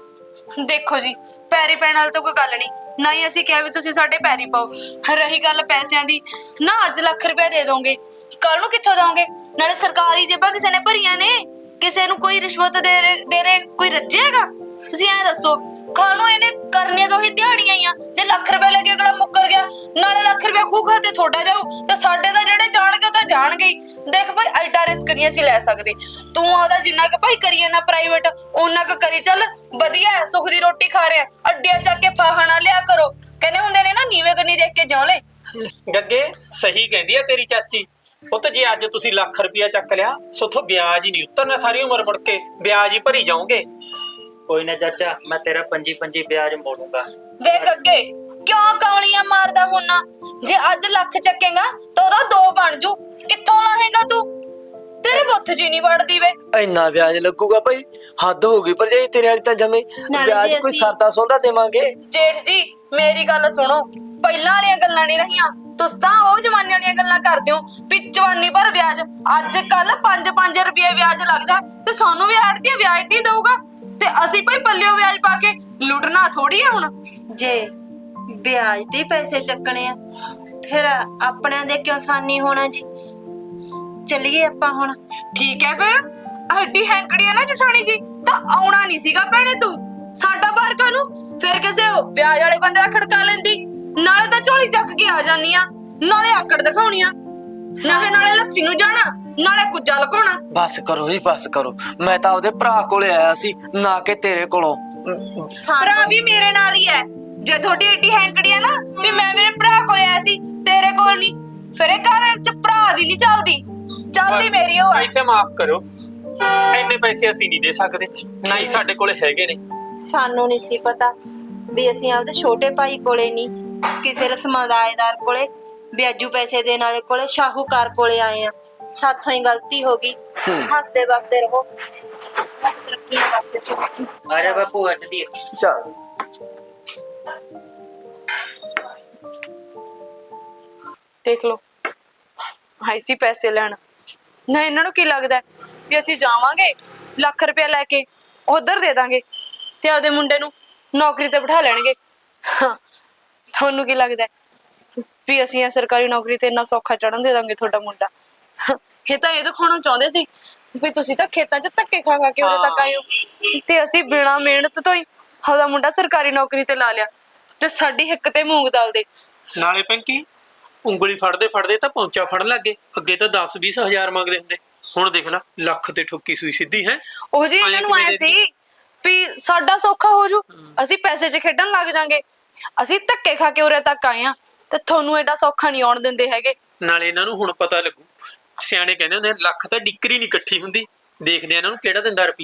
Speaker 1: ਹਾਂ
Speaker 4: ਦੇਖੋ ਜੀ, ਪੈਰੀ ਪੈਣ ਵਾਲੀ ਤਾਂ ਕੋਈ ਗੱਲ ਨਹੀਂ, ਨਾ ਹੀ ਅਸੀਂ ਕਿਹਾ ਵੀ ਤੁਸੀਂ ਸਾਡੇ ਪੈਰੀ ਪਾਓ। ਰਹੀ ਗੱਲ ਪੈਸਿਆਂ ਦੀ, ਨਾ ਅੱਜ ਲੱਖ ਰੁਪਏ ਦੇ ਦੋਗੇ, ਕੱਲ ਨੂੰ ਕਿੱਥੋਂ ਦੋਗੇ? ਨਾਲੇ ਸਰਕਾਰੀ ਜੇਬਾਂ ਕਿਸੇ ਨੇ ਭਰੀਆਂ ਨੇ, ਕਿਸੇ ਨੂੰ ਕੋਈ ਰਿਸ਼ਵਤ ਦੇ ਦੇ ਕੋਈ ਰੱਜੇਗਾ? ਤੁਸੀਂ ਐਂ ਦੱਸੋ, ਖਾਣੋ ਇਹਨੇ ਕਰਨੀਆਂ ਤਾਂ ਉਹੀ ਦਿਹਾੜੀਆਂ ਹੀ ਆ। ਜੇ ਲੱਖ ਰੁਪਏ ਲੈ ਕੇ ਅਗਲਾ ਮੁੱਕਰ ਗਿਆ, ਨਾਲੇ ਲੱਖ ਰੁਪਏ ਖੂਹ ਖਾਤੇ ਤੁਹਾਡਾ ਜਾਊ ਤੇ ਸਾਡੇ ਤਾਂ ਜਿਹੜੇ ਜਾਣਗੇ ਉਹ ਤਾਂ ਜਾਣਗੇ ਹੀ। ਦੇਖ ਭਾਈ ਐਡਾ ਰਿਸਕ ਨਹੀਂ ਅਸੀਂ ਲੈ ਸਕਦੇ। ਤੂੰ ਉਹਦਾ ਜਿੰਨਾ ਕੁ ਭਾਈ ਕਰੀਏ ਨਾ ਪ੍ਰਾਈਵੇਟ, ਓਨਾ ਕੁ ਕਰੀ ਚੱਲ। ਵਧੀਆ ਹੈ, ਸੁੱਖ ਦੀ ਰੋਟੀ ਖਾ ਰਿਹਾ। ਅੱਡਿਆਂ ਚੱਕ ਕੇ ਫਾਹਾ ਨਾ ਲਿਆ ਕਰੋ। ਕਹਿੰਦੇ ਹੁੰਦੇ ਨੇ ਨਾ, ਨੀਵੇਂ ਕੰਨੀ ਦੇਖ ਕੇ ਜਿਉਂ ਲੈ।
Speaker 5: ਗੱਗੇ ਸਹੀ ਕਹਿੰਦੀ ਆ ਤੇਰੀ ਚਾਚੀ। ਉਹ ਤਾਂ ਜੇ ਅੱਜ ਤੁਸੀਂ ਲੱਖ ਰੁਪਇਆ ਚੱਕ ਲਿਆ, ਸੋਥੋਂ ਵਿਆਜ ਹੀ ਨਹੀਂ ਉਤਰਨਾ, ਸਾਰੀ ਉਮਰ ਮੁੜ ਕੇ ਵਿਆਜ ਹੀ ਭਰੀ ਜਾਓਗੇ।
Speaker 3: ਕੋਈ ਨਾ ਚਾਚਾ, ਮੈਂ ਤੇਰਾ 25 ਵਿਆਜ ਮੋੜੂੰਗਾ।
Speaker 4: ਵੇਖ ਅੱਗੇ ਕਿਉਂ ਕੌਲੀਆਂ ਮਾਰਦਾ ਹੁੰਨਾ? ਜੇ ਅੱਜ ਲੱਖ ਚੱਕੇਗਾ ਤਾਂ ਉਹਦਾ 2 ਬਣ ਜੂ। ਕਿੱਥੋਂ ਲਾਹੇਗਾ ਤੂੰ? ਤੇਰੇ ਬੁੱਥ ਜੀ ਨਹੀਂ ਵੜਦੀ ਵੇ।
Speaker 1: ਇੰਨਾ ਵਿਆਜ ਲੱਗੂਗਾ ਭਾਈ? ਹੱਦ ਹੋ ਗਈ ਪਰ ਜੇ ਤੇਰੇ ਵਾਲੀ ਤਾਂ ਜਮੇ
Speaker 2: ਨਾਲੇ
Speaker 1: ਵਿਆਜ
Speaker 2: ਜੇ
Speaker 1: ਕੋਈ
Speaker 2: ਅਸੀਂ-
Speaker 1: ਸਰਦਾ ਸੌਦਾ ਦੇਵਾਂਗੇ।
Speaker 4: ਜੇਠ ਜੀ ਮੇਰੀ ਗੱਲ ਸੁਣੋ, ਪਹਿਲਾਂ ਵਾਲੀਆਂ ਗੱਲਾਂ ਨਹੀਂ ਰਹੀਆਂ। ਤੁਸੀਂ ਤਾਂ ਉਹ ਜ਼ਮਾਨੇ ਵਾਲੀਆਂ ਗੱਲਾਂ ਕਰਦੇ ਹੋ ਵੀ ਜਵਾਨੀ ਭਰ ਵਿਆਜ। ਅੱਜ ਕੱਲ 5-5 ਰੁਪਏ ਵਿਆਜ ਲੱਗਦਾ ਤੇ ਸਾਨੂੰ ਵੀ ਆੜਤੀ ਵਿਆਜ ਦੀ ਦਊਗਾ ਤੇ ਅਸੀਂ ਭਾਈ ਪੱਲਿਓ ਵਿਆਜ ਪਾ ਕੇ ਲੁੱਟਣਾ ਥੋੜੀ ਆ ਹੁਣ।
Speaker 2: ਜੇ ਵਿਆਜ ਤੇ ਪੈਸੇ ਚੱਕਣੇ ਆ ਫਿਰ ਆਪਣਿਆਂ ਦੇ ਕਿਉਂ ਸਾਨੀ ਹੋਣਾ ਜੀ? ਚੱਲੀਏ ਆਪਾਂ ਹੁਣ।
Speaker 4: ਠੀਕ ਹੈ ਫਿਰ, ਹੱਡੀ ਹੈਂਕੜੀ ਆ ਨਾ ਜਠਾਣੀ ਜੀ, ਤਾਂ ਆਉਣਾ ਨਹੀਂ ਸੀਗਾ ਭੈਣੇ ਤੂੰ ਸਾਡਾ ਬਾਹਰ ਕਾਨੂੰ। ਫਿਰ ਕਿਸੇ ਵਿਆਜ ਵਾਲੇ ਬੰਦੇ ਦਾ ਖੜਕਾ ਲੈਂਦੀ, ਨਾਲੇ ਤਾਂ ਝੋਲੀ ਚੱਕ ਕੇ ਆ ਜਾਨੀ ਆ, ਨਾਲੇ ਆਕੜ ਦਿਖਾਉਣੀਆਂ, ਨਾਲੇ ਲੱਸੀ ਨੂੰ ਜਾਣਾ, ਨਾਲੇ ਕੁੱਜਾ ਲਕਾਉਣਾ।
Speaker 1: ਬਸ ਕਰੋ ਜੀ ਬਸ ਕਰੋ। ਮੈਂ ਤਾਂ ਉਹਦੇ ਭਰਾ ਕੋਲੇ ਆਇਆ ਸੀ, ਨਾ ਕਿ ਤੇਰੇ ਕੋਲੋਂ।
Speaker 4: ਭਰਾ ਵੀ ਮੇਰੇ ਨਾਲ ਹੀ ਹੈ। ਜੇ ਤੁਹਾਡੀ ਏਡੀ ਹੈਂਕੜੀ ਆ ਨਾ ਵੀ ਮੈਂ ਮੇਰੇ ਭਰਾ ਕੋਲ ਆਇਆ ਸੀ, ਤੇਰੇ ਕੋਲ ਨਹੀਂ, ਫਿਰ ਇਹ ਘਰ ਚ ਭਰਾ ਦੀ ਨਹੀਂ ਚੱਲਦੀ ਮੇਰੀ ਉਹ ਆ।
Speaker 5: ਪੈਸੇ ਮਾਫ ਕਰੋ, ਇੰਨੇ ਪੈਸੇ ਅਸੀਂ ਨਹੀਂ ਦੇ ਸਕਦੇ, ਨਾ ਹੀ ਸਾਡੇ ਕੋਲੇ ਹੈਗੇ ਨੇ।
Speaker 2: ਸਾਨੂੰ ਨਹੀਂ ਸੀ ਪਤਾ ਵੀ ਅਸੀਂ ਆਪਦੇ ਛੋਟੇ ਭਾਈ ਕੋਲੇ ਨਹੀਂ, ਕਿਸੇ ਰਸਮਦਾਏਦਾਰ ਕੋਲੇ, ਵਿਆਜੂ ਪੈਸੇ ਦੇਣ ਵਾਲੇ ਕੋਲੇ, ਸ਼ਾਹੂਕਾਰ ਕੋਲੇ ਆਏ ਆ। ਸਾਥੋਂ ਹੀ ਗਲਤੀ ਹੋ ਗਈ। ਹੱਸਦੇ ਵਸਦੇ ਰਹੋ। ਤਰੱਕੀਆਂ ਬਖਸ਼ੇ।
Speaker 3: ਆ ਜਾ ਬਾਪੂ ਅੱਜ ਦੀ।
Speaker 1: ਚੱਲ
Speaker 4: ਦੇਖ ਲਓ, ਹਾਈ ਸੀ ਪੈਸੇ ਲੈਣ ਨਾ। ਇਹਨਾਂ ਨੂੰ ਕੀ ਲੱਗਦਾ ਵੀ ਅਸੀਂ ਜਾਵਾਂਗੇ ਲੱਖ ਰੁਪਇਆ ਲੈ ਕੇ ਉਧਰ ਦੇ ਦਾਂਗੇ ਤੇ ਆਪਦੇ ਮੁੰਡੇ ਨੂੰ ਨੌਕਰੀ ਤੇ ਬਿਠਾ ਲੈਣਗੇ। ਹਾਂ, ਤੁਹਾਨੂੰ ਕੀ ਲੱਗਦਾ ਵੀ ਅਸੀਂ ਇਹ ਸਰਕਾਰੀ ਨੌਕਰੀ ਤੇ ਇੰਨਾ ਸੌਖਾ ਚੜਨ ਦੇ ਦਾਂਗੇ ਤੁਹਾਡਾ ਮੁੰਡਾ? ਇਹ ਤਾਂ ਇਹ ਦਿਖਾਉਣਾ ਚਾਹੁੰਦੇ ਸੀ ਵੀ ਤੁਸੀਂ ਤਾਂ ਖੇਤਾਂ 'ਚ ਧੱਕੇ ਖਾ ਖਾ ਕੇ ਉਰੇ ਤੱਕ ਆਏ ਹੋ ਤੇ ਅਸੀਂ ਬਿਨਾਂ ਮਿਹਨਤ ਤੋਂ ਹੀ ਆਪਦਾ ਮੁੰਡਾ ਸਰਕਾਰੀ ਨੌਕਰੀ ਤੇ ਲਾ ਲਿਆ ਤੇ ਸਾਡੀ ਹਿੱਕ ਤੇ ਮੂੰਗ ਦਾਲ ਦੇ।
Speaker 5: ਨਾਲੇ ਪਿੰਕੀ ਉਂਗਲੀ ਫੜਦੇ ਫੜਦੇ ਤਾਂ ਪੌਂਚਾ ਫੜਨ ਲੱਗੇ। ਅੱਗੇ ਤਾਂ 10-20 ਹਜ਼ਾਰ ਮੰਗਦੇ ਹੁੰਦੇ, ਹੁਣ ਦੇਖ ਲੈ ਲੱਖ ਤੇ ਠੋਕੀ ਸੂਈ ਸਿੱਧੀ ਹੈ।
Speaker 4: ਉਹ ਜੀ ਇਹਨਾਂ ਨੂੰ ਆਇਆ ਸੀ ਵੀ ਸਾਡਾ ਸੌਖਾ ਹੋ ਜੂ, ਅਸੀਂ ਪੈਸੇ 'ਚ ਖੇਡਣ ਲੱਗ ਜਾਾਂਗੇ। ਅਸੀਂ ਧੱਕੇ ਖਾ ਕੇ ਉਰੇ ਤੱਕ ਆਏ ਆ ਤੇ ਤੁਹਾਨੂੰ ਐਡਾ ਸੌਖਾ ਨਹੀਂ ਆਉਣ ਦਿੰਦੇ ਹੈਗੇ।
Speaker 5: ਨਾਲੇ ਇਹਨਾਂ ਨੂੰ ਹੁਣ ਪਤਾ ਲੱਗੂ। ਸਿਆਣੇ ਕਹਿੰਦੇ ਹੁੰਦੇ ਲੱਖ ਤਾਂ ਡਿਕਰੀ ਨਹੀਂ ਇਕੱਠੀ ਹੁੰਦੀ। ਦੇਖਦੇ ਆ ਇਹਨਾਂ ਨੂੰ ਕਿਹੜਾ ਦਿੰਦਾ ਰੁਪਈਏ।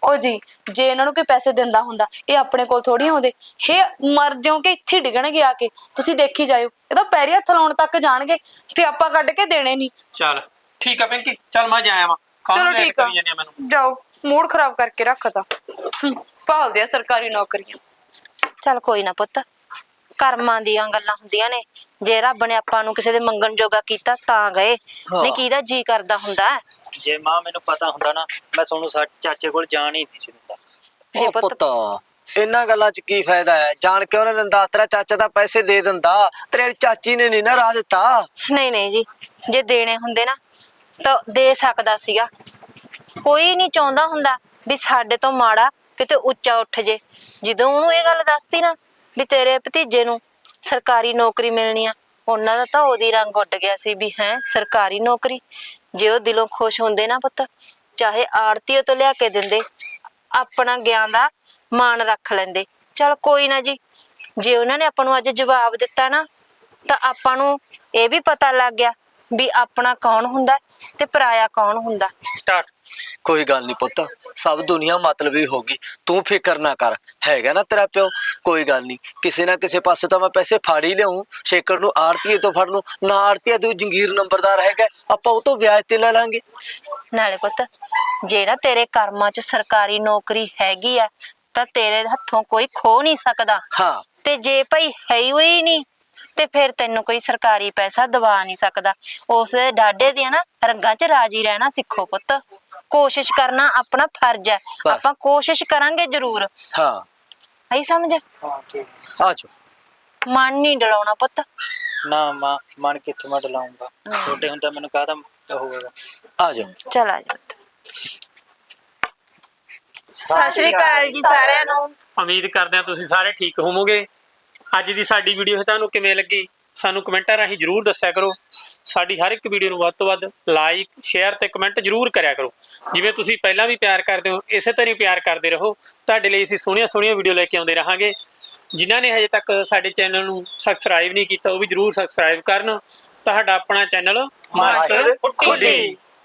Speaker 4: ਉਹ ਜੀ ਜੇ ਇਹਨਾਂ ਨੂੰ ਕੋਈ ਪੈਸੇ ਦਿੰਦਾ ਹੁੰਦਾ ਇਹ ਆਪਣੇ ਕੋਲ ਥੋੜੀ ਆਉਂਦੇ। ਇਹ ਮਰ ਜਾਓਗੇ ਇੱਥੇ ਡਿੱਗਣਗੇ ਆ ਕੇ, ਤੁਸੀਂ ਦੇਖੀ ਜਾਇਓ। ਇਹ ਤਾਂ ਪੈਰੀ ਹੱਥ ਲਾਉਣ ਤੱਕ ਜਾਣਗੇ ਤੇ ਆਪਾਂ ਕੱਢ ਕੇ ਦੇਣੇ ਨਹੀਂ।
Speaker 5: ਚੱਲ ਠੀਕ ਆ ਪਿੰਕੀ, ਚੱਲ ਮੈਂ ਜਾਇਆ ਵਾਂ।
Speaker 4: ਚਲੋ ਠੀਕ ਆ, ਜਾਓ। ਮੂਡ ਖਰਾਬ ਕਰਕੇ ਰੱਖਤਾ। ਭਾਲਦੇ ਆ ਸਰਕਾਰੀ ਨੌਕਰੀਆਂ।
Speaker 2: ਚੱਲ ਕੋਈ ਨਾ ਪੁੱਤ, ਕਰਮਾਂ ਦੀਆਂ ਗੱਲਾਂ ਹੁੰਦੀਆਂ ਨੇ। ਜੇ ਰੱਬ ਨੇ ਆਪਾਂ ਨੂੰ ਕਿਸੇ ਦੇ ਮੰਗਣ ਜੋਗਾ ਕੀਤਾ ਤਾਂ ਗਏ, ਨਹੀਂ ਕਿਹਦਾ ਜੀ ਕਰਦਾ ਹੁੰਦਾ ਹੈ।
Speaker 3: ਜੇ ਮਾਂ ਮੈਨੂੰ ਪਤਾ ਹੁੰਦਾ ਨਾ ਮੈਂ ਤੁਹਾਨੂੰ ਚਾਚੇ ਕੋਲ ਜਾਣ ਹੀ ਨਹੀਂ ਸੀ ਦਿੰਦਾ।
Speaker 2: ਜੇ
Speaker 1: ਉਹ
Speaker 2: ਪੁੱਤ
Speaker 1: ਪੁੱਤ ਇਹਨਾਂ ਗੱਲਾਂ 'ਚ ਕੀ ਫਾਇਦਾ ਹੈ? ਜਾਣ ਕੇ ਉਹਨੇ ਦਿੰਦਾ, ਤੇਰਾ ਚਾਚਾ ਤਾਂ ਪੈਸੇ ਦੇ ਦਿੰਦਾ, ਤੇਰੀ ਚਾਚੀ ਨੇ ਨਹੀਂ ਨਾ ਰਾਹ ਦਿੱਤਾ।
Speaker 2: ਨਹੀਂ ਜੀ, ਜੇ ਦੇਣੇ ਹੁੰਦੇ ਨਾ ਤਾਂ ਦੇ ਸਕਦਾ ਸੀਗਾ। ਕੋਈ ਨਹੀਂ ਚਾਹੁੰਦਾ ਹੁੰਦਾ ਵੀ ਸਾਡੇ ਤੋਂ ਮਾੜਾ ਕਿਤੇ ਉੱਚਾ ਉੱਠ ਜੇ। ਜਦੋਂ ਉਹਨੂੰ ਇਹ ਗੱਲ ਦੱਸਤੀ ਨਾ ਵੀ ਤੇਰੇ ਭਤੀਜੇ ਨੂੰ ਸਰਕਾਰੀ ਨੌਕਰੀ ਮਿਲਣੀ ਆ, ਉਹਨਾਂ ਦਾ ਤਾਂ ਉਹਦੀ ਰੰਗ ਉੱਡ ਗਿਆ ਸੀ ਵੀ ਹੈ ਸਰਕਾਰੀ ਨੌਕਰੀ। ਜੇ ਉਹ ਦਿਲੋਂ ਖੁਸ਼ ਹੁੰਦੇ ਨਾ ਪੁੱਤ, ਚਾਹੇ ਆੜਤੀਏ ਤੋਂ ਲਿਆ ਕੇ ਦਿੰਦੇ, ਆਪਣਾ ਗਿਆਨ ਦਾ ਮਾਣ ਰੱਖ ਲੈਂਦੇ। ਚਲ ਕੋਈ ਨਾ ਜੀ, ਜੇ ਉਹਨਾਂ ਨੇ ਆਪਾਂ ਨੂੰ ਅੱਜ ਜਵਾਬ ਦਿੱਤਾ ਨਾ ਤਾਂ ਆਪਾਂ ਨੂੰ ਇਹ ਵੀ ਪਤਾ ਲੱਗ ਗਿਆ ਵੀ ਆਪਣਾ ਕੌਣ ਹੁੰਦਾ ਤੇ ਪਰਾਇਆ ਕੌਣ ਹੁੰਦਾ।
Speaker 5: ਸਟਾਰਟ।
Speaker 1: ਕੋਈ ਗੱਲ ਨਹੀਂ ਪੁੱਤ, ਸਭ ਦੁਨੀਆ ਮਤਲਬੀ ਹੋਗੀ, ਤੂੰ ਫਿਕਰ ਨਾ ਕਰ। ਹੈਗਾ ਨਾ ਤੇਰਾ ਪਿਓ, ਕੋਈ ਗੱਲ ਨਹੀਂ। ਕਿਸੇ ਨਾ ਕਿਸੇ ਪਾਸੇ ਤਾਂ ਮੈਂ ਪੈਸੇ ਫੜ ਹੀ ਲਿਆਉਂ। ਸ਼ੇਕਰ ਨੂੰ ਆੜਤੀਏ ਤੋਂ ਫੜ ਲੂੰ, ਨਾ ਆੜਤੀਆ ਤੂੰ ਜੰਗੀਰ ਨੰਬਰਦਾਰ ਹੈਗਾ, ਆਪਾਂ ਉਹ ਤੋਂ ਵਿਆਜ ਤੇ ਲੈ ਲਾਂਗੇ।
Speaker 2: ਨਾਲੇ ਪੁੱਤ, ਜਿਹੜਾ ਤੇਰੇ ਕਰਮਾਂ 'ਚ ਸਰਕਾਰੀ ਨੌਕਰੀ ਹੈਗੀ ਆ ਤਾਂ ਤੇਰੇ ਹੱਥੋਂ ਕੋਈ ਖੋ ਨਹੀਂ ਸਕਦਾ।
Speaker 1: ਹਾਂ
Speaker 2: ਤੇ ਜੇ ਭਾਈ ਹੈ ਹੀ ਨਹੀਂ ਤੇ ਫਿਰ ਤੈਨੂੰ ਕੋਈ ਸਰਕਾਰੀ ਪੈਸਾ ਦਵਾ ਨਹੀਂ ਸਕਦਾ। ਉਸ ਦੇ ਡਾਢੇ ਦੀਆਂ ਨਾ ਰੰਗਾਂ 'ਚ ਰਾਜੀ ਰਹਿਣਾ ਸਿੱਖੋ ਪੁੱਤ। ਕੋਸ਼ਿਸ਼ ਕਰਨਾ ਆਪਣਾ ਫਰਜ਼ ਹੈ,
Speaker 1: ਬਸ।
Speaker 2: ਆਪਾਂ ਕੋਸ਼ਿਸ਼ ਕਰਾਂਗੇ ਜ਼ਰੂਰ।
Speaker 1: ਹਾਂ
Speaker 2: ਆਈ ਸਮਝ?
Speaker 3: ਹਾਂ ਠੀਕ।
Speaker 1: ਆ ਜਾਓ।
Speaker 2: ਮਨ ਨਹੀਂ ਡਲਾਉਣਾ ਪੁੱਤ।
Speaker 3: ਨਾ ਮਾਂ, ਮਨ ਕਿੱਥੋਂ ਮੈਂ ਡਲਾਉਂਗਾ? ਛੋਟੇ ਹੁੰਦਾ ਮੈਨੂੰ ਕਾਹਦਾ ਹੋਵੇਗਾ।
Speaker 1: ਆ ਜਾਓ।
Speaker 2: ਚਲ ਆ ਜਾ। ਸਤਿ ਸ਼੍ਰੀ ਅਕਾਲ ਜੀ ਸਾਰਿਆਂ ਨੂੰ।
Speaker 5: ਉਮੀਦ ਕਰਦੇ ਹਾਂ ਤੁਸੀਂ ਸਾਰੇ ਠੀਕ ਹੋਵੋਗੇ। ਅੱਜ ਦੀ ਸਾਡੀ ਵੀਡੀਓ ਤੁਹਾਨੂੰ ਕਿਵੇਂ ਲੱਗੀ ਸਾਨੂੰ ਕਮੈਂਟਾਂ ਰਾਹੀਂ ਜਰੂਰ ਦੱਸਿਆ ਕਰੋ। ਸਾਡੀ ਹਰ ਇੱਕ ਵੀਡੀਓ ਨੂੰ ਵੱਧ ਤੋਂ ਵੱਧ ਲਾਈਕ, ਸ਼ੇਅਰ ਤੇ ਕਮੈਂਟ ਜਰੂਰ ਕਰਿਆ ਕਰੋ। ਜਿਵੇਂ ਤੁਸੀਂ ਪਹਿਲਾਂ ਵੀ ਪਿਆਰ ਕਰਦੇ ਹੋ, ਇਸੇ ਤਰ੍ਹਾਂ ਹੀ ਪਿਆਰ ਕਰਦੇ ਰਹੋ। ਤੁਹਾਡੇ ਲਈ ਅਸੀਂ ਸੋਹਣੀਆਂ ਵੀਡੀਓ ਲੈ ਕੇ ਆਉਂਦੇ ਰਹਾਂਗੇ। ਜਿਨ੍ਹਾਂ ਨੇ ਹਜੇ ਤੱਕ ਸਾਡੇ ਚੈਨਲ ਨੂੰ ਸਬਸਕ੍ਰਾਈਬ ਨਹੀਂ ਕੀਤਾ ਉਹ ਵੀ ਜਰੂਰ ਸਬਸਕ੍ਰਾਈਬ ਕਰਨ। ਤੁਹਾਡਾ ਆਪਣਾ ਚੈਨਲ ਮਾਸਟਰ ਖੁੱਡੀ।